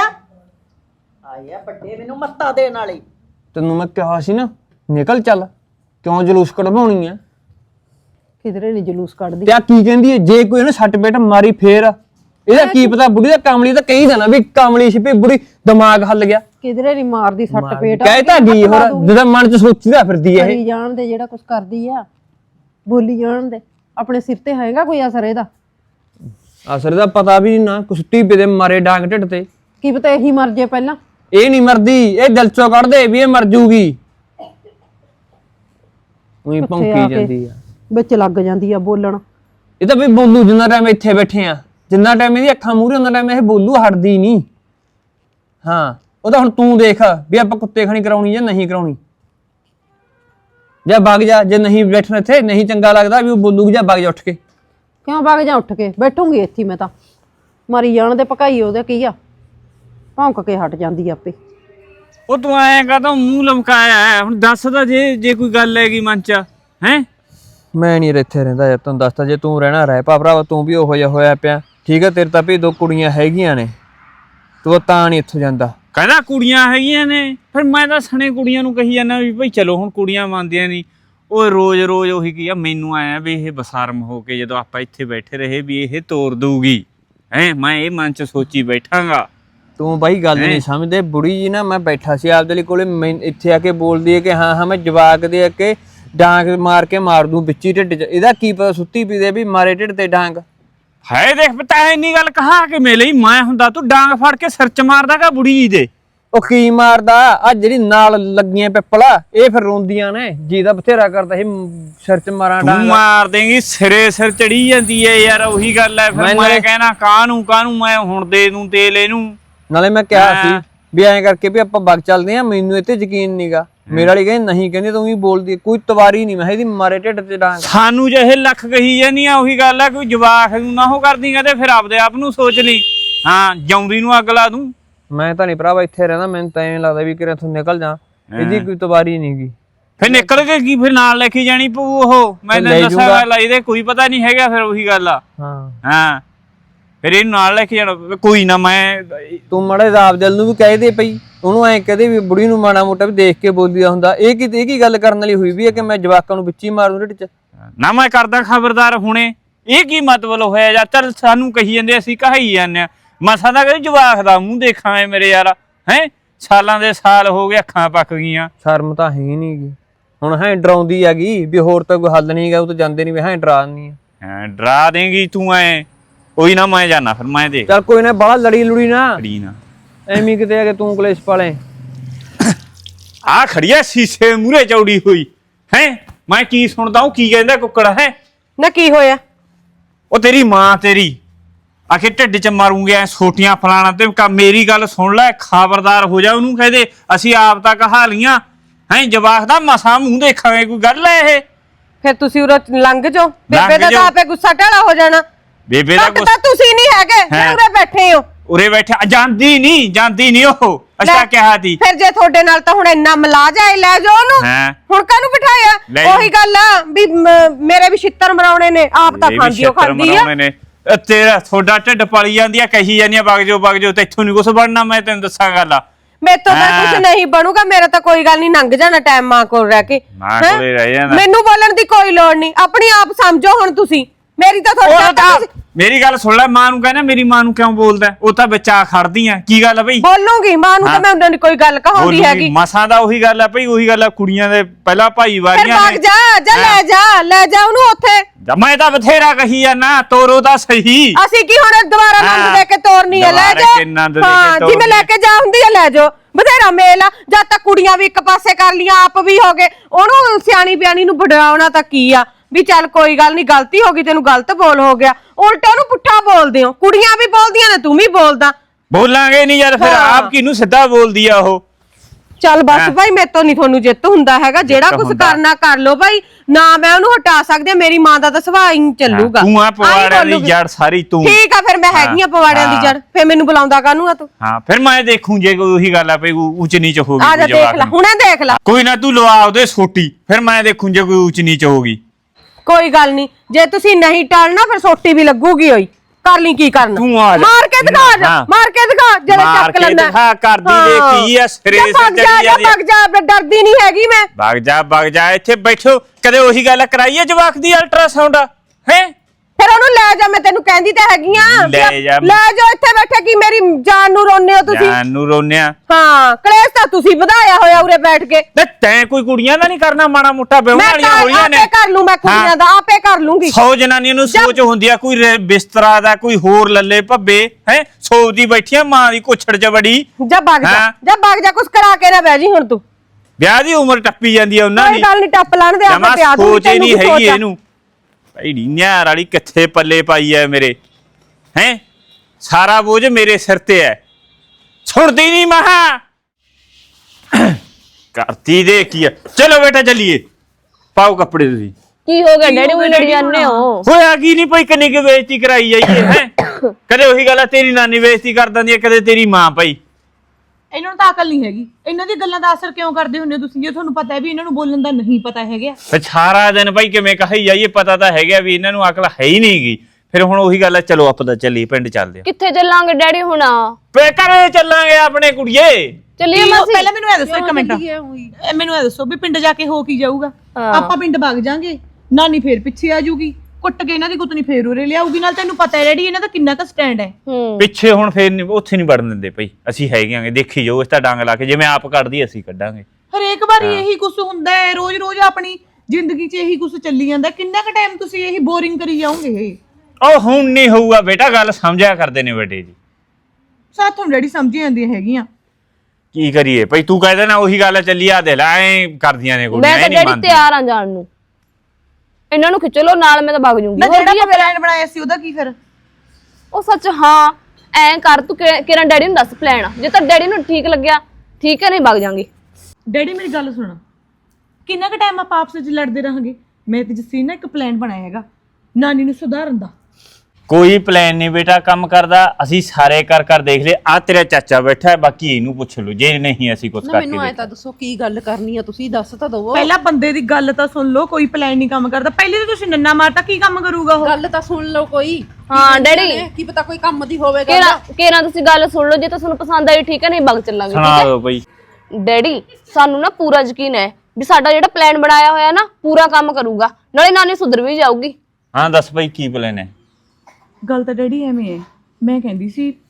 S7: ਆਇਆ ਵੱਡੇ ਮੈਨੂੰ ਮੱਤਾ ਦੇਣ ਵਾਲੀ।
S8: ਤੈਨੂੰ ਮੈਂ ਕਿਹਾ ਸੀ ਨਾ ਨਿਕਲ ਚੱਲ, ਕਿਉਂ ਜਲੂਸ ਕਢਵਾਉਣੀ ਆ?
S6: ਕਿਧਰੇ ਨਹੀਂ ਜਲੂਸ ਕੱਢਦੀ।
S8: ਤੇ ਆ ਕੀ ਕਹਿੰਦੀ ਹੈ, ਜੇ ਕੋਈ ਇਹਨੇ ਸੱਟ ਪੇਟ ਮਾਰੀ ਫੇਰ ਇਹਦਾ ਕੀ ਪਤਾ? ਬੁੜੀ ਦਾ ਕਾਮਲੀ ਤਾਂ ਕਹੀ ਦੇਣਾ ਵੀ ਕਾਮਲੀ ਸੀ, ਵੀ ਬੁੜੀ ਦਿਮਾਗ ਹੱਲ ਗਿਆ।
S6: ਕਿਧਰੇ ਨਹੀਂ ਮਾਰਦੀ ਸੱਟ ਪੇਟ।
S8: ਕਹਿ ਤਾਂ ਗਈ, ਹੋਰ ਜਿਹਦਾ ਮਨ ਚ ਸੋਚੀਦਾ ਫਿਰਦੀ ਇਹ।
S6: ਕਰੀ ਜਾਣ ਦੇ, ਜਿਹੜਾ ਕੁਝ ਕਰਦੀ ਆ ਬੋਲੀ ਜਾਣ ਦੇ। ਆਪਣੇ ਸਿਰ ਤੇ ਹੈਗਾ ਕੋਈ ਅਸਰ ਇਹਦਾ?
S8: ਅਸਰ ਦਾ ਪਤਾ ਵੀ ਨਾ, ਕੁਸਤੀ ਪੇ ਦੇ ਮਾਰੇ ਡਾਂਗ ਢਿੱਡ ਤੇ।
S6: ਕੀ ਪਤਾ ਇਹੀ ਮਰ ਜੇ ਪਹਿਲਾਂ।
S8: ਇਹ ਨਹੀਂ ਮਰਦੀ, ਇਹ ਦਿਲ ਚੋਂ ਕੱਢਦੇ ਵੀ ਇਹ ਮਰ ਜੂਗੀ। ਉਹੀ ਭੌਂਕੀ ਜਾਂਦੀ ਆ,
S6: ਵਿੱਚ ਲੱਗ ਜਾਂਦੀ ਆ ਬੋਲਣ।
S8: ਇਹ ਤਾਂ ਵੀ ਬੋਲੂ ਜਿੰਨਾ ਟਾਈਮ ਇੱਥੇ ਬੈਠੇ ਆ, ਜਿੰਨਾ ਟਾਈਮ ਇਹਦੀ ਅੱਖਾਂ ਮੂਹਰੇ ਉਹਨਾਂ ਟਾਈਮ ਇਹ ਬੋਲੂ, ਹਟਦੀ ਨਹੀਂ। ਹਾਂ ਉਹ ਤਾਂ ਹੁਣ ਤੂੰ ਦੇਖ ਵੀ ਆਪਾਂ ਕੁੱਤੇ ਖਾਣੀ ਕਰਾਉਣੀ ਜਾਂ ਨਹੀਂ ਕਰਾਉਣੀ। ਜਾਂ ਵਗ ਜਾ, ਜੇ ਨਹੀਂ ਬੈਠਣਾ ਇੱਥੇ, ਨਹੀਂ ਚੰਗਾ ਲੱਗਦਾ ਵੀ ਉਹ ਬੋਲੂਗੀ, ਜਾਂ ਵਗ ਜਾ ਉੱਠ ਕੇ।
S6: ਕਿਉਂ ਵਗ ਜਾ ਉੱਠ ਕੇ? ਬੈਠੂੰਗੀ ਇੱਥੇ ਮੈਂ ਤਾਂ। ਮਰੀ ਜਾਣ ਦੇ, ਭਕਾਈ ਉਹਦੇ ਕੀ ਆ, ਭੌਂਕ ਕੇ ਹਟ ਜਾਂਦੀ ਆਪੇ।
S9: ਉਹ ਤੂੰ ਐਂ ਕਹਦਾ ਮੂੰਹ ਲਮਕਾਇਆ, ਹੁਣ ਦੱਸਦਾ ਜੇ ਜੇ ਕੋਈ ਗੱਲ ਹੈਗੀ ਮਨ ਚ ਹੈ।
S8: ਮੈਂ ਨਹੀਂ ਇੱਥੇ ਰਹਿੰਦਾ ਯਾਰ, ਤੈਨੂੰ ਦੱਸਦਾ, ਜੇ ਤੂੰ ਰਹਿਣਾ ਰਹਿ ਪਾ ਭਰਾਵਾ, ਤੂੰ ਵੀ ਉਹੋ ਜਿਹਾ ਹੋਇਆ ਪਿਆ। ਠੀਕ ਹੈ, ਤੇਰੇ ਤਾਂ ਵੀ ਦੋ ਕੁੜੀਆਂ ਹੈਗੀਆਂ ਨੇ, ਤੂੰ ਤਾਂ ਨਹੀਂ ਇੱਥੋਂ ਜਾਂਦਾ।
S9: ਕਹਿੰਦਾ ਕੁੜੀਆਂ ਹੈਗੀਆਂ ਨੇ, ਫਿਰ ਮੈਂ ਤਾਂ ਸਣੇ ਕੁੜੀਆਂ ਨੂੰ ਕਹੀ ਜਾਂਦਾ ਵੀ ਭਾਈ ਚਲੋ ਹੁਣ ਕੁੜੀਆਂ ਮੰਨਦੀਆਂ ਨਹੀਂ। ਉਹ ਰੋਜ਼ ਰੋਜ਼ ਉਹੀ ਕੀ ਆ, ਮੈਨੂੰ ਆਇਆ ਵੀ ਇਹ ਬਸਾਰਮ ਹੋ ਕੇ ਜਦੋਂ ਆਪਾਂ ਇੱਥੇ ਬੈਠੇ ਰਹੇ ਵੀ ਇਹ ਤੋੜ ਦਊਗੀ ਹੈ। ਮੈਂ ਇਹ ਮਨ ਚ ਸੋਚੀ ਬੈਠਾਂਗਾ।
S8: ਤੂੰ ਬਾਈ ਗੱਲ ਨਹੀਂ ਸਮਝਦੇ। ਬੁੜੀ ਜੀ ਨਾ, ਮੈਂ ਬੈਠਾ ਸੀ ਆਪਦੇ ਲਈ ਕੋਲੇ, ਮੈਂ ਇੱਥੇ ਆ ਕੇ ਬੋਲਦੀ ਹੈ ਕਿ ਹਾਂ ਹਾਂ ਮੈਂ ਜਵਾਕ ਦੇ ਅੱਗੇ ਡਾਂਗ ਮਾਰ ਕੇ ਮਾਰ ਦੂੰ ਵਿੱਚੀ ਢਿੱਡ ਚ। ਇਹਦਾ ਕੀ ਪਤਾ ਸੁੱਤੀ ਪੀ ਦੇ ਵੀ ਮਾਰੇ ਢਿੱਡ ਤੇ ਡਾਂਗ।
S9: ਹਾਏ ਦੇਖ ਪਤਾ ਇੰਨੀ ਗੱਲ ਕਹਾ ਕਿ ਮੇਰੇ ਲਈ ਮੈਂ ਹੁੰਦਾ ਤੂੰ ਡਾਂਗ ਫੜ ਕੇ ਸਿਰ ਚ ਮਾਰਦਾਗਾ ਬੁੜੀ ਜੀ ਦੇ।
S8: ਉਹ ਕੀ ਮਾਰਦਾ ਆ, ਜਿਹੜੀ ਨਾਲ ਲੱਗੀਆਂ ਪਿੱਪਲਾ ਇਹ ਫਿਰ ਰੋਂਦੀਆਂ ਨੇ। ਜੀ ਦਾ ਬਥੇਰਾ ਕਰਦਾ ਸੀ ਸਿਰ ਚ ਮਾਰਾਂ
S9: ਤੂੰ
S8: ਡਾਂਗ।
S9: ਮਾਰ ਦੇਂਗੀ, ਸਿਰੇ ਸਿਰ ਚੜੀ ਜਾਂਦੀ ਹੈ ਯਾਰ, ਉਹੀ ਗੱਲ ਹੈ। ਫਿਰ ਮੈਂ ਕਹਿਣਾ ਕਾਹਨੂੰ ਕਾਹਨੂੰ ਮੈਂ ਹੁਣ ਦੇ ਦੂੰ ਤੇਲ ਇਹਨੂੰ।
S8: ਨਾਲੇ ਮੈਂ ਕਿਹਾ ਸੀ ਵੀ ਐਂ ਕਰਕੇ ਵੀ ਆਪਾਂ ਵਗ ਚੱਲਦੇ ਆ, ਮੈਨੂੰ ਇਹ ਤੇ ਯਕੀਨ ਨਹੀਂਗਾ। ਮੇਰੇ ਵਾਲੀ ਕਹਿੰਦੀ ਨਹੀਂ, ਕਹਿੰਦੀ ਤੂੰ ਵੀ ਬੋਲਦੀ ਕੋਈ ਤਵਾਰੀ ਨਹੀਂ। ਮੈਂ ਇਹਦੀ ਮਾਰੇ ਢਿੱਡ ਤੇ ਡਾਂਗ।
S9: ਸਾਨੂੰ ਜੇ ਇਹ ਲੱਖ ਕਹੀ ਜਾਂਦੀਆਂ, ਉਹੀ ਗੱਲ ਹੈ ਕੋਈ ਜਵਾਕ ਨੂੰ ਨਾ ਉਹ ਕਰਦੀ ਕਹਿੰਦੇ ਫਿਰ ਆਪਦੇ ਆਪ ਨੂੰ ਸੋਚ ਲਈ। ਹਾਂ ਜਿਉਂਦੀ ਨੂੰ ਅੱਗ ਲਾ ਦੂੰ।
S8: ਮੈਂ ਤਾਂ ਨਹੀਂ ਭਰਾਵਾ ਇੱਥੇ ਰਹਿੰਦਾ, ਮੈਨੂੰ ਤਾਂ ਐਂ ਲੱਗਦਾ ਵੀ ਕਿਰੇ ਇੱਥੋਂ ਨਿਕਲ ਜਾ। ਇਹਦੀ ਕੋਈ ਤਵਾਰੀ ਨਹੀਂਗੀ।
S9: ਫਿਰ ਨਿਕਲ ਕੇ ਕੀ ਫਿਰ ਨਾਲ ਲੈ ਕੇ ਜਾਣੀ ਪਊ ਉਹ? ਮੈਂ ਤੈਨੂੰ ਦੱਸਾਂ ਗੱਲ ਆ, ਇਹਦੇ ਕੋਈ ਪਤਾ ਨਹੀਂ ਹੈਗਾ। ਫਿਰ ਉਹੀ ਗੱਲ ਆ।
S8: ਹਾਂ
S9: ਹਾਂ ਫਿਰ ਇਹਨੂੰ ਨਾਲ ਲੈ ਕੇ ਜਾਣਾ ਕੋਈ ਨਾ। ਮੈਂ
S8: ਤੂੰ ਮਾੜੇ ਰਾਬ ਦਿਲ ਨੂੰ ਵੀ ਕਹਿ ਦੇ ਪਈ, ਉਹਨੂੰ ਐਂ ਕਹਦੇ ਵੀ ਬੁੜੀ ਨੂੰ ਮਾੜਾ ਮੋਟਾ ਵੀ ਦੇਖ ਕੇ ਬੋਲੀਦਾ ਹੁੰਦਾ। ਇਹ ਕੀ ਇਹ ਕੀ ਗੱਲ ਕਰਨ ਵਾਲੀ ਹੋਈ ਵੀ ਹੈ ਕਿ ਮੈਂ ਜਵਾਕਾਂ ਨੂੰ ਵਿੱਚ ਹੀ ਮਾਰੂ ਢਿੱਡ ਚ?
S9: ਨਾ ਮੈਂ ਕਰਦਾ ਖਬਰਦਾਰ ਹੁਣੇ। ਇਹ ਕੀ ਮਤਲਬ ਹੋਇਆ ਜਾਂ ਚੱਲ ਸਾਨੂੰ ਕਹੀ ਜਾਂਦੇ, ਅਸੀਂ ਕਹਾਈ ਜਾਂਦੇ ਆ। ਮਸਾਂ ਦਾ ਕਹਿੰਦੇ ਜਵਾਕ ਦਾ ਮੂੰਹ ਦੇਖਾਂ ਐ ਮੇਰੇ ਯਾਰ ਹੈ। ਸਾਲਾਂ ਦੇ ਸਾਲ ਹੋ ਗਏ, ਅੱਖਾਂ ਪੱਕ ਗਈਆਂ।
S8: ਸ਼ਰਮ ਤਾਂ ਹੈ ਨਹੀਂ ਗੀ। ਹੁਣ ਹੈ ਡਰਾਉਂਦੀ ਹੈਗੀ ਵੀ ਹੋਰ ਤਾਂ ਕੋਈ ਹੱਲ ਨਹੀਂ ਗਾ, ਉਹ ਤਾਂ ਜਾਂਦੇ ਨਹੀਂ ਵੀ ਹੈ ਡਰਾਉਣੀ
S9: ਹੈ। ਡਰਾ ਦੇਂਗੀ ਤੂੰ ਐ? ਕੋਈ ਨਾ ਮੈਂ ਜਾਣਾ ਫਿਰ, ਮੈਂ ਦੇਖ।
S8: ਚੱਲ ਕੋਈ ਨਾ, ਬਾਹਲਾ ਲੜੀ ਲੁੜੀ ਨਾ
S9: ਲੜੀ ਨਾ
S8: ਐਵੇਂ ਕਿਤੇ ਆ ਕੇ ਤੂੰ ਕਲੇਸ਼ ਪਾਲੇ।
S9: ਆ ਖੜੀ ਐ ਸੀਸੇ ਮੂਰੇ ਚੌੜੀ ਹੋਈ ਹੈ। ਮੈਂ ਕੀ ਸੁਣਦਾ ਹੂੰ ਕੀ ਕਹਿੰਦਾ ਕੁੱਕੜ ਹੈ।
S6: ਨਾ ਕੀ ਹੋਇਆ?
S9: ਉਹ ਤੇਰੀ ਮਾਂ ਤੇਰੀ ਆਖੇ ਢਿੱਡ ਚ ਮਾਰੂਗੇ ਐ ਛੋਟੀਆਂ ਫਲਾਣਾ ਤੇ ਕਾ ਮੇਰੀ ਗੱਲ ਸੁਣ ਲੈ ਖਬਰਦਾਰ ਹੋ ਜਾ ਉਹਨੂੰ ਕਹਦੇ ਅਸੀਂ ਆਪ ਤਾਂ ਕਹਾ ਲੀਆਂ ਹੈ ਜਵਾਕ ਦਾ ਮਸਾ ਮੂੰਹ ਦੇਖਾਂਗੇ ਕੋਈ ਗੱਲ ਐ ਇਹ।
S6: ਫਿਰ ਤੁਸੀਂ ਉਰੇ ਲੰਘ ਜਾਓ ਬੇਬੇ
S9: ਲੰਘ
S6: ਦਾ
S9: ਜਾਓ।
S6: ਤਾਂ ਆਪੇ ਗੁੱਸਾ ਢਾਲਾ ਹੋ ਜਾਣਾ।
S9: ਬੇਬੇ ਦਾ
S6: ਘੱਟ ਤਾਂ ਤੁਸੀਂ ਨਹੀਂ ਹੈਗੇ
S9: ਹੈਂ।
S6: ਉਰੇ ਬੈਠੇ ਹੋ।
S9: ਉਰੇ ਬੈਠਾ ਜਾਂਦੀ ਨਹੀਂ ਜਾਂਦੀ ਨਹੀਂ ਉਹ ਅੱਛਾ
S6: ਲੈ,
S9: ਕਿਹਾ ਤੀ
S6: ਫਿਰ ਜੇ ਤੁਹਾਡੇ ਨਾਲ ਤਾਂ ਹੁਣ ਇੰਨਾ ਮਿਲਾ ਜਾਏ ਲੈ ਜਾਓ ਉਹਨੂੰ।
S9: ਹੈਂ।
S6: ਹੁਣ ਕਾਹਨੂੰ
S9: ਲੈ
S6: ਬਿਠਾਇਆ?
S9: ਜਾਓ।
S6: ਉਹੀ ਗੱਲ ਆ ਵੀ ਮ- ਮੇਰੇ ਵੀ ਛਿੱਤਰ ਮਰਾਉਣੇ ਨੇ ਆਪ ਤਾਂ
S9: ਇਹ ਵੀ
S6: ਖਾਂਦੀ ਉਹ
S9: ਛਿੱਤਰ
S6: ਖਾਂਦੀ ਆ।
S9: ਮਰਾਉਣੇ ਨੇ। ਇਹ ਤੇਰਾ ਤੁਹਾਡਾ ਢਿੱਡ ਪਲੀ ਜਾਂਦੀ ਆ ਕਹੀ ਜਾਂਦੀ ਆ ਵਗ ਜਾਓ ਵਗ ਜਾਓ ਤੇ ਇੱਥੋਂ ਨਹੀਂ ਕੁਛ ਬਣਨਾ ਮੈਂ ਤੈਨੂੰ ਦੱਸਾਂ ਗੱਲ ਆ।
S6: ਮੇਰੇ ਤੋਂ ਤਾਂ
S9: ਹਾਂ।
S6: ਕੁਝ ਨਹੀਂ ਬਣੂਗਾ। ਮੇਰਾ ਤਾਂ ਕੋਈ ਗੱਲ ਨਹੀਂ ਲੰਘ ਜਾਣਾ ਟਾਈਮ ਮਾਂ ਕੋਲ ਰਹਿ ਕੇ।
S9: ਮਾਂ
S6: ਹੈਂ?
S9: ਕੋਲੇ ਰਹਿ ਜਾਣਾ।
S6: ਮੈਨੂੰ ਬੋਲਣ ਦੀ ਕੋਈ ਲੋੜ ਨਹੀਂ। ਆਪਣੀ ਆਪ ਸਮਝੋ ਹੁਣ ਤੁਸੀਂ। ਮੇਰੀ ਤਾਂ
S9: ਉਹ
S6: ਤੁਹਾਡਾ
S9: ਤਾਂ ਮੇਰੀ ਗੱਲ ਸੁਣ ਲੈ ਮਾਂ ਨੂੰ ਕਹਿੰਦਾ ਮੇਰੀ ਮਾਂ ਨੂੰ ਕਿਉਂ ਬੋਲਦਾ ਉਹ ਤਾਂ ਵਿੱਚ ਆ ਖੜਦੀ ਆ ਕੀ ਗੱਲ ਆ ਬਈ
S6: ਬੋਲੂਗੀ ਮਾਂ ਨੂੰ ਤਾਂ
S9: ਹਾਂ।
S6: ਮੈਂ ਉਹਨਾਂ ਦੀ ਕੋਈ ਗੱਲ ਕਹਾਉਂਦੀ ਹੈਗੀ।
S9: ਮਸਾਂ ਦਾ ਉਹੀ ਗੱਲ ਆ ਭਈ ਉਹੀ ਗੱਲ ਆ ਕੁੜੀਆਂ ਦੇ ਪਹਿਲਾਂ ਭਾਈ
S6: ਫਿਰ
S9: ਵਾਰੀਆਂ
S6: ਭਾਗ ਜਾ ਜਾ ਲੈ ਜਾ ਲੈ ਜਾ ਉਹਨੂੰ ਉੱਥੇ।
S9: ਮੈਂ ਤਾਂ ਬਥੇਰਾ ਕਹੀ ਆ ਨਾ ਤੋਰੋ ਤਾਂ ਸਹੀ।
S6: ਅਸੀਂ ਕੀ ਹੁਣ ਦੁਬਾਰਾ
S9: ਹਾਂ।
S6: ਨੰਦ ਦੇ ਕੇ ਤੋਰਨੀ ਹੈ ਲੈ
S9: ਦੁਬਾਰਾ
S6: ਜਾ।
S9: ਕਿ ਨੰਦ ਦੇ ਕੇ
S6: ਹਾਂ
S9: ਤੋਰਨੀ
S6: ਜਿਵੇਂ ਲੈ ਕੇ ਜਾ ਹੁੰਦੀ ਹੈ ਲੈ ਜਾਓ। ਬਥੇਰਾ ਮੇਲ ਆ ਜਦ ਤੱਕ ਕੁੜੀਆਂ ਵੀ ਇੱਕ ਪਾਸੇ ਕਰ ਲੀਆਂ ਆਪ ਵੀ ਹੋ ਗਏ। ਉਹਨੂੰ ਸਿਆਣੀ ਬਿਆਣੀ ਨੂੰ ਵਡਾਉਣਾ ਤਾਂ ਕੀ ਆ ਵੀ ਚੱਲ ਕੋਈ ਗੱਲ ਨਹੀਂ ਗਲਤੀ ਹੋ ਗਈ ਤੈਨੂੰ ਗਲਤ ਬੋਲ ਹੋ ਗਿਆ। ਉਲਟਾ ਉਹਨੂੰ ਪੁੱਠਾ ਬੋਲਦੇ ਹੋ। ਕੁੜੀਆਂ ਵੀ ਬੋਲਦੀਆਂ ਨੇ ਤੂੰ ਵੀ ਬੋਲਦਾ।
S9: ਬੋਲਾਂਗੇ ਨਹੀਂ ਯਾਰ ਫਿਰ
S6: ਹਾਂ।
S9: ਆਪ ਕਿਹਨੂੰ ਸਿੱਧਾ ਬੋਲਦੀ ਆ ਉਹ।
S6: ਚੱਲ ਬਸ
S9: ਹਾਂ।
S6: ਭਾਈ ਮੇਰੇ ਤੋਂ ਨਹੀਂ ਤੁਹਾਨੂੰ ਜਿੱਤ ਹੁੰਦਾ ਹੈਗਾ। ਜਿਹੜਾ ਕੁਝ
S9: ਹੁੰਦਾ।
S6: ਕਰਨਾ ਕਰ ਲੋ ਭਾਈ। ਨਾ ਮੈਂ ਉਹਨੂੰ ਹਟਾ ਸਕਦੀ ਹਾਂ, ਮੇਰੀ ਮਾਂ ਦਾ ਤਾਂ ਸੁਭਾਅ ਹੀ ਚੱਲੂਗਾ।
S9: ਤੂੰ ਆ
S6: ਆਈਂ
S9: ਪਵਾੜਿਆਂ ਦੀ
S6: ਬੋਲੂਗੀ।
S9: ਜੜ ਸਾਰੀ ਤੂੰ।
S6: ਠੀਕ ਆ ਫਿਰ ਮੈਂ ਹੈਗੀ ਆ ਪਵਾੜਿਆਂ ਦੀ
S9: ਹਾਂ।
S6: ਜੜ। ਫਿਰ ਮੈਨੂੰ ਬੁਲਾਉਂਦਾ ਕਾਹਨੂੰ ਆ ਤੂੰ?
S9: ਹਾਂ ਫਿਰ ਮੈਂ ਦੇਖੂੰ ਜੇ ਕੋਈ ਉਹੀ ਗੱਲ ਆ ਪਈ ਉੱਚ ਨੀਚ ਹੋ
S6: ਆ
S9: ਗਈ
S6: ਜਾ
S9: ਕੋਈ
S6: ਦੇਖ
S9: ਜਵਾਕ
S6: ਲੈ
S9: ਨੂੰ।
S6: ਹੁਣੇ ਦੇਖ ਲੈ।
S9: ਕੋਈ ਨਾ ਤੂੰ ਲਵਾ ਉਹਦੇ ਸੋਟੀ ਫਿਰ ਮੈਂ ਦੇਖੂੰ ਜੇ ਕੋਈ ਉੱਚ ਨੀਚ ਹੋਗੀ।
S6: ਕੋਈ ਗੱਲ ਨਹੀਂ ਜੇ ਤੁਸੀਂ ਨਹੀਂ ਟਾਲਣਾ ਫਿਰ ਸੋਟੀ ਵੀ ਲੱਗੂਗੀ ਹੋਈ। ਕਰ ਲਈ ਕੀ ਕਰਨਾ।
S9: ਤੂੰ ਆ ਜਾ।
S6: ਮਾਰ ਕੇ ਦਿਖਾ ਜਾ
S9: ਹਾਂ।
S6: ਮਾਰ ਕੇ ਦਿਖਾ ਜਿਹੜੇ
S9: ਮਾਰ
S6: ਚੱਕ
S9: ਕੇ
S6: ਲੈਂਦਾ।
S9: ਦਿਖਾ, ਕਰਦੀ ਦੇ ਕੀ ਆ, ਸਿਰੇ
S6: ਜਾ
S9: ਸਿਰ
S6: ਭੱਗ ਜਾ
S9: ਚੜੀ
S6: ਜਾ
S9: ਜਾਂਦੀ ਆ।
S6: ਭੱਗ ਜਾ ਮੈਂ ਡਰਦੀ ਨਹੀਂ ਹੈਗੀ ਮੈਂ।
S9: ਵਗ ਜਾ ਵਗ ਜਾ ਇੱਥੇ ਬੈਠੋ ਕਦੇ ਉਹੀ ਗੱਲ ਕਰਾਈਏ ਜਵਾਕ ਦੀ ਅਲਟਰਾਸਾਊਂਡ ਹੈ।
S6: ਫਿਰ ਉਹਨੂੰ ਲੈ ਜਾ ਮੈਂ ਤੈਨੂੰ ਕਹਿੰਦੀ ਤਾਂ ਹੈਗੀ ਆ।
S9: ਲੈ ਜਾ।
S6: ਲੈ ਜਾ ਇੱਥੇ ਬੈਠੇ ਕੀ ਮੇਰੀ ਜਾਨ ਨੂੰ ਰੋਨੇ ਹੋ ਤੁਸੀਂ?
S9: ਜਾਨ ਨੂੰ ਰੋਨਿਆ
S6: ਹਾਂ ਕਲੇਸ਼ ਤਾਂ ਤੁਸੀਂ ਵਧਾਇਆ ਹੋਇਆ ਉਰੇ ਬੈਠ ਕੇ।
S9: ਤੇ ਤੈਂ ਕੋਈ ਕੁੜੀਆਂ ਦਾ ਨਹੀਂ ਕਰਨਾ ਮਾੜਾ ਮੋਟਾ ਵਿਆਹ
S6: ਮੈਂ
S9: ਵਾਲੀਆਂ
S6: ਤਾਂ
S9: ਹੋਈਆਂ ਨੇ।
S6: ਆਪੇ ਕਰ ਲੂੰ ਮੈਂ ਕੁੜੀਆਂ
S9: ਹਾਂ।
S6: ਦਾ ਆਪੇ ਕਰ ਲੂੰਗੀ।
S9: ਸੌ ਜਨਾਨੀਆਂ ਨੂੰ ਸੋਚ ਹੁੰਦੀ ਆ ਕੋਈ ਰੇ- ਬਿਸਤਰਾ ਦਾ ਕੋਈ ਹੋਰ ਲੱਲੇ ਭੱਬੇ ਹੈ ਸੋਚਦੀ ਬੈਠੀਆਂ ਮਾਂ ਦੀ ਕੁੱਛੜ ਚ ਵੜੀ।
S6: ਜਾ ਭੱਗ ਜਾ
S9: ਹਾਂ।
S6: ਜਾ ਭੱਗ ਜਾ ਕੁਛ ਕਰਾ ਕੇ ਨਾ ਬਹਿ ਜੀ ਹੁਣ ਤੂੰ।
S9: ਵਿਆਹ ਦੀ ਉਮਰ ਟੱਪੀ ਜਾਂਦੀ ਆ ਉਹਨਾਂ
S6: ਕੋਈ
S9: ਦੀ।
S6: ਗੱਲ ਨਹੀਂ ਟੱਪ ਲੈਣ ਦੇ
S9: ਜਮਾ
S6: ਆਪੇ ਪਿਆ ਦੂੰਗੀ
S9: ਸੋਚ ਹੀ
S6: ਤੈਨੂੰ
S9: ਨਹੀਂ
S6: ਕੀ
S9: ਹੈਗੀ
S6: ਸੋਚ ਆ?
S9: ਇਹਨੂੰ ਭਈ ਨਿਆਰ ਵਾਲੀ ਕਿੱਥੇ ਪੱਲੇ ਪਾਈ ਐ ਮੇਰੇ ਹੈ ਸਾਰਾ ਬੋਝ ਮੇਰੇ ਸਿਰ ਤੇ ਐ ਸੁਣਦੀ ਨਹੀਂ ਮਹਾ ਕਰਤੀ ਦੇ ਕੀ ਐ। ਚਲੋ ਬੇਟਾ ਚੱਲੀਏ ਪਾਓ ਕੱਪੜੇ ਤੁਸੀਂ।
S4: ਕੀ ਹੋ ਗਿਆ ਡੈਡੀ ਉਹ ਲੜੀ ਜਾਂਦੇ ਹੋ?
S9: ਹੋਇਆ ਕੀ ਨਹੀਂ ਭਾਈ ਕਿੰਨੀ ਕੀ ਬੇਇੱਜ਼ਤੀ ਕਰਾਈ ਜਾਈਏ ਹੈ ਕਦੇ ਉਹੀ ਗੱਲ ਆ ਤੇਰੀ ਨਾਨੀ ਬੇਇੱਜ਼ਤੀ ਕਰ ਦਿੰਦੀ ਐ ਕਦੇ ਤੇਰੀ ਮਾਂ ਭਾਈ।
S3: ਇਹਨਾਂ ਨੂੰ ਤਾਂ ਅਕਲ ਨਹੀਂ ਹੈਗੀ। ਇਹਨਾਂ ਦੀ ਗੱਲਾਂ ਦਾ ਅਸਰ ਕਿਉਂ ਕਰਦੇ ਹੁੰਦੇ ਹੋ ਤੁਸੀਂ ਜੇ ਤੁਹਾਨੂੰ ਪਤਾ ਹੈ ਵੀ ਇਹਨਾਂ ਨੂੰ ਬੋਲਣ ਦਾ ਨਹੀਂ ਪਤਾ ਹੈਗਾ।
S9: ਫਿਰ ਸਾਰਾ ਦਿਨ ਭਾਈ ਕਿਵੇਂ ਕਹੀ ਜਾਈਏ ਪਤਾ ਤਾਂ ਹੈਗਾ ਵੀ ਇਹਨਾਂ ਨੂੰ ਅਕਲ ਹੈ ਹੀ ਨਹੀਂਗੀ। ਫਿਰ ਹੁਣ ਉਹੀ ਗੱਲ ਆ ਚਲੋ ਆਪਾਂ ਤਾਂ ਚੱਲੀਏ ਪਿੰਡ ਚੱਲਦੇ ਆ।
S4: ਕਿੱਥੇ ਚੱਲਾਂਗੇ ਡੈਡੀ ਹੁਣ?
S9: ਪੇ ਘਰੇ ਚੱਲਾਂਗੇ ਆਪਣੇ ਕੁੜੀਏ।
S4: ਚੱਲੀਏ
S3: ਕੀ ਉਹ-
S4: ਮਾਸੀ।
S3: ਪਹਿਲਾਂ ਮੈਨੂੰ ਇਹ ਦੱਸੋ ਇੱਕ ਮਿੰਟ ਇਹ ਮੈਨੂੰ ਇਹ ਦੱਸੋ ਵੀ ਪਿੰਡ ਜਾ ਕੇ ਹੋ ਕੀ ਜਾਊਗਾ?
S4: ਹਾਂ।
S3: ਆਪਾਂ ਪਿੰਡ ਵਗ ਜਾਾਂਗੇ ਨਾਨੀ ਫੇਰ ਪਿੱਛੇ ਆ ਜਾਊਗੀ ਕੁੱਟ ਕੇ ਇਹਨਾਂ ਦੀ ਗੁੱਤਨੀ ਫੇਰ ਉਰੇ ਲਿਆਊਗੀ। ਨਾਲ ਤੈਨੂੰ ਪਤਾ ਹੈ ਡੈਡੀ ਇਹਨਾਂ ਦਾ ਕਿੰਨਾ ਕੁ ਸਟੈਂਡ ਹੈ।
S4: ਹੂੰ
S9: ਪਿੱਛੇ ਹੁਣ ਫੇਰ ਨੀ ਉੱਥੇ ਨਹੀਂ ਵੜਨ ਦਿੰਦੇ ਭਾਈ ਅਸੀਂ ਹੈਗੇ ਆਂਗੇ ਦੇਖੀ ਜਾਓ ਇਸ ਤਾਂ ਡੰਗ ਲਾ ਕੇ ਜਿਵੇਂ ਆਪ ਕੱਢਦੀ ਅਸੀਂ ਕੱਢਾਂਗੇ।
S3: ਹਰੇਕ ਵਾਰੀ ਇਹੀ ਕੁਝ ਹੁੰਦਾ ਹੈ ਰੋਜ਼-ਰੋਜ਼ ਆਪਣੀ ਜ਼ਿੰਦਗੀ 'ਚ ਇਹੀ ਕੁਝ ਚੱਲੀ ਜਾਂਦਾ। ਕਿੰਨਾ ਕੁ ਟਾਈਮ ਤੁਸੀਂ ਇਹੀ ਬੋਰਿੰਗ ਕਰੀ ਜਾਓਗੇ?
S9: ਉਹ ਹੁਣ ਨਹੀਂ ਹੋਊਗਾ ਬੇਟਾ ਗੱਲ ਸਮਝਿਆ ਕਰਦੇ ਨੇ ਬੇਟੇ ਜੀ।
S3: ਸਾਥੋਂ ਡੈਡੀ ਸਮਝੀ ਜਾਂਦੀਆਂ ਹੈਗੀਆਂ।
S9: ਕੀ ਕਰੀਏ ਭਾਈ ਤੂੰ ਕਹਿ ਦੇਣਾ ਉਹੀ ਗੱਲ ਚੱਲੀ ਆ ਦੇ ਲੈ ਐ ਕਰਦੀਆਂ ਨੇ ਕੁੜੀਆਂ
S4: ਮੈਂ
S9: ਐ
S4: ਤਾਂ
S9: ਨਹੀਂ
S4: ਡੈਡੀ
S9: ਮੰਨਦੀਆਂ।
S4: ਤਿਆਰ ਆ ਜਾਣ ਨੂੰ। ਇਹਨਾਂ ਨੂੰ ਖਿੱਚ ਲੋ ਨਾਲ ਮੈਂ ਤਾਂ ਵਗ ਜੂੰਗੀ।
S3: ਨਾ
S4: ਹੋਰ
S3: ਜਿਹੜਾ
S4: ਕੀ ਆ
S3: ਆਪਾਂ ਪਲਾਨ ਬਣਾਇਆ ਸੀ ਉਹਦਾ ਕੀ ਫਿਰ?
S4: ਉਹ ਸੱਚ ਹਾਂ ਐਂ ਕਰ ਤੂੰ ਕਿ- ਕਿਰਨ ਡੈਡੀ ਨੂੰ ਦੱਸ ਪਲਾਨ ਜੇ ਤਾਂ ਡੈਡੀ ਨੂੰ ਠੀਕ ਲੱਗਿਆ ਠੀਕ ਹੈ ਨਹੀਂ ਵਗ ਜਾਾਂਗੇ।
S3: ਡੈਡੀ ਮੇਰੀ ਗੱਲ ਸੁਣ ਕਿੰਨਾ ਕੁ ਟਾਈਮ ਆਪਾਂ ਆਪਸ ਵਿੱਚ ਲੜਦੇ ਰਹਾਂਗੇ? ਮੈਂ ਤੇ ਜਸੀ ਨਾ ਇੱਕ ਪਲਾਨ ਬਣਾਇਆ ਹੈਗਾ ਨਾਨੀ ਨੂੰ ਸੁਧਾਰਨ ਦਾ।
S9: ਕੋਈ ਪਲਾਨ ਨਹੀਂ ਬੇਟਾ ਕੰਮ ਕਰਦਾ ਅਸੀਂ ਸਾਰੇ ਕਰ ਕਰ ਦੇਖ ਲਏ ਆ ਤੇਰਾ ਚਾਚਾ ਬੈਠਾ ਹੈ ਬਾਕੀ ਇਹਨੂੰ ਪੁੱਛ ਲਓ ਜੇ ਨਹੀਂ ਅਸੀਂ ਕੁਝ ਕਰਕੇ
S6: ਮੈਨੂੰ ਐ
S9: ਦੇਖਾਂਗੇ।
S6: ਤਾਂ ਦੱਸੋ ਕੀ ਗੱਲ ਕਰਨੀ ਆ ਤੁਸੀਂ ਦੱਸ ਤਾਂ ਦਵੋ।
S3: ਪਹਿਲਾਂ ਬੰਦੇ ਦੀ ਗੱਲ ਤਾਂ ਸੁਣ ਲਓ। ਕੋਈ ਪਲਾਨ ਨਹੀਂ ਕੰਮ ਕਰਦਾ। ਪਹਿਲੇ ਤਾਂ ਤੁਸੀਂ ਨੰਨਾ ਮਾਰਤਾ ਕੀ ਕੰਮ ਕਰੂਗਾ ਉਹ?
S6: ਗੱਲ ਤਾਂ ਸੁਣ ਲਓ ਕੋਈ।
S4: ਹਾਂ ਡੈਡੀ
S6: ਕੀ ਪਤਾ ਕੋਈ ਕੰਮ ਦੀ ਹੋਵੇ ਗੱਲ।
S4: ਕਿਹੜਾ ਕਿਹੜਾ ਤੁਸੀਂ ਗੱਲ ਸੁਣ ਲਓ ਜੇ ਤਾਂ ਤੁਹਾਨੂੰ ਪਸੰਦ ਆਈ ਠੀਕ ਹੈ ਨਹੀਂ ਵਗ ਚੱਲਾਂਗੇ
S9: ਸੁਣਾ
S4: ਠੀਕ
S9: ਦਿਓ ਬਈ।
S4: ਹੈ। ਡੈਡੀ ਸਾਨੂੰ ਨਾ ਪੂਰਾ ਯਕੀਨ ਹੈ ਵੀ ਸਾਡਾ ਜਿਹੜਾ ਪਲਾਨ ਬਣਾਇਆ ਹੋਇਆ ਨਾ ਪੂਰਾ ਕੰਮ ਕਰੂਗਾ ਨਾਲੇ ਨਾਨੀ ਸੁਧਰ ਵੀ ਜਾਊਗੀ।
S9: ਹਾਂ ਦੱਸ ਬਈ ਕੀ ਪਲਾਨ ਹੈ?
S3: ਗੱਲ ਤਾਂ ਡੈਡੀ ਐਵੇਂ ਹੈ ਮੈਂ ਕਹਿੰਦੀ ਸੀ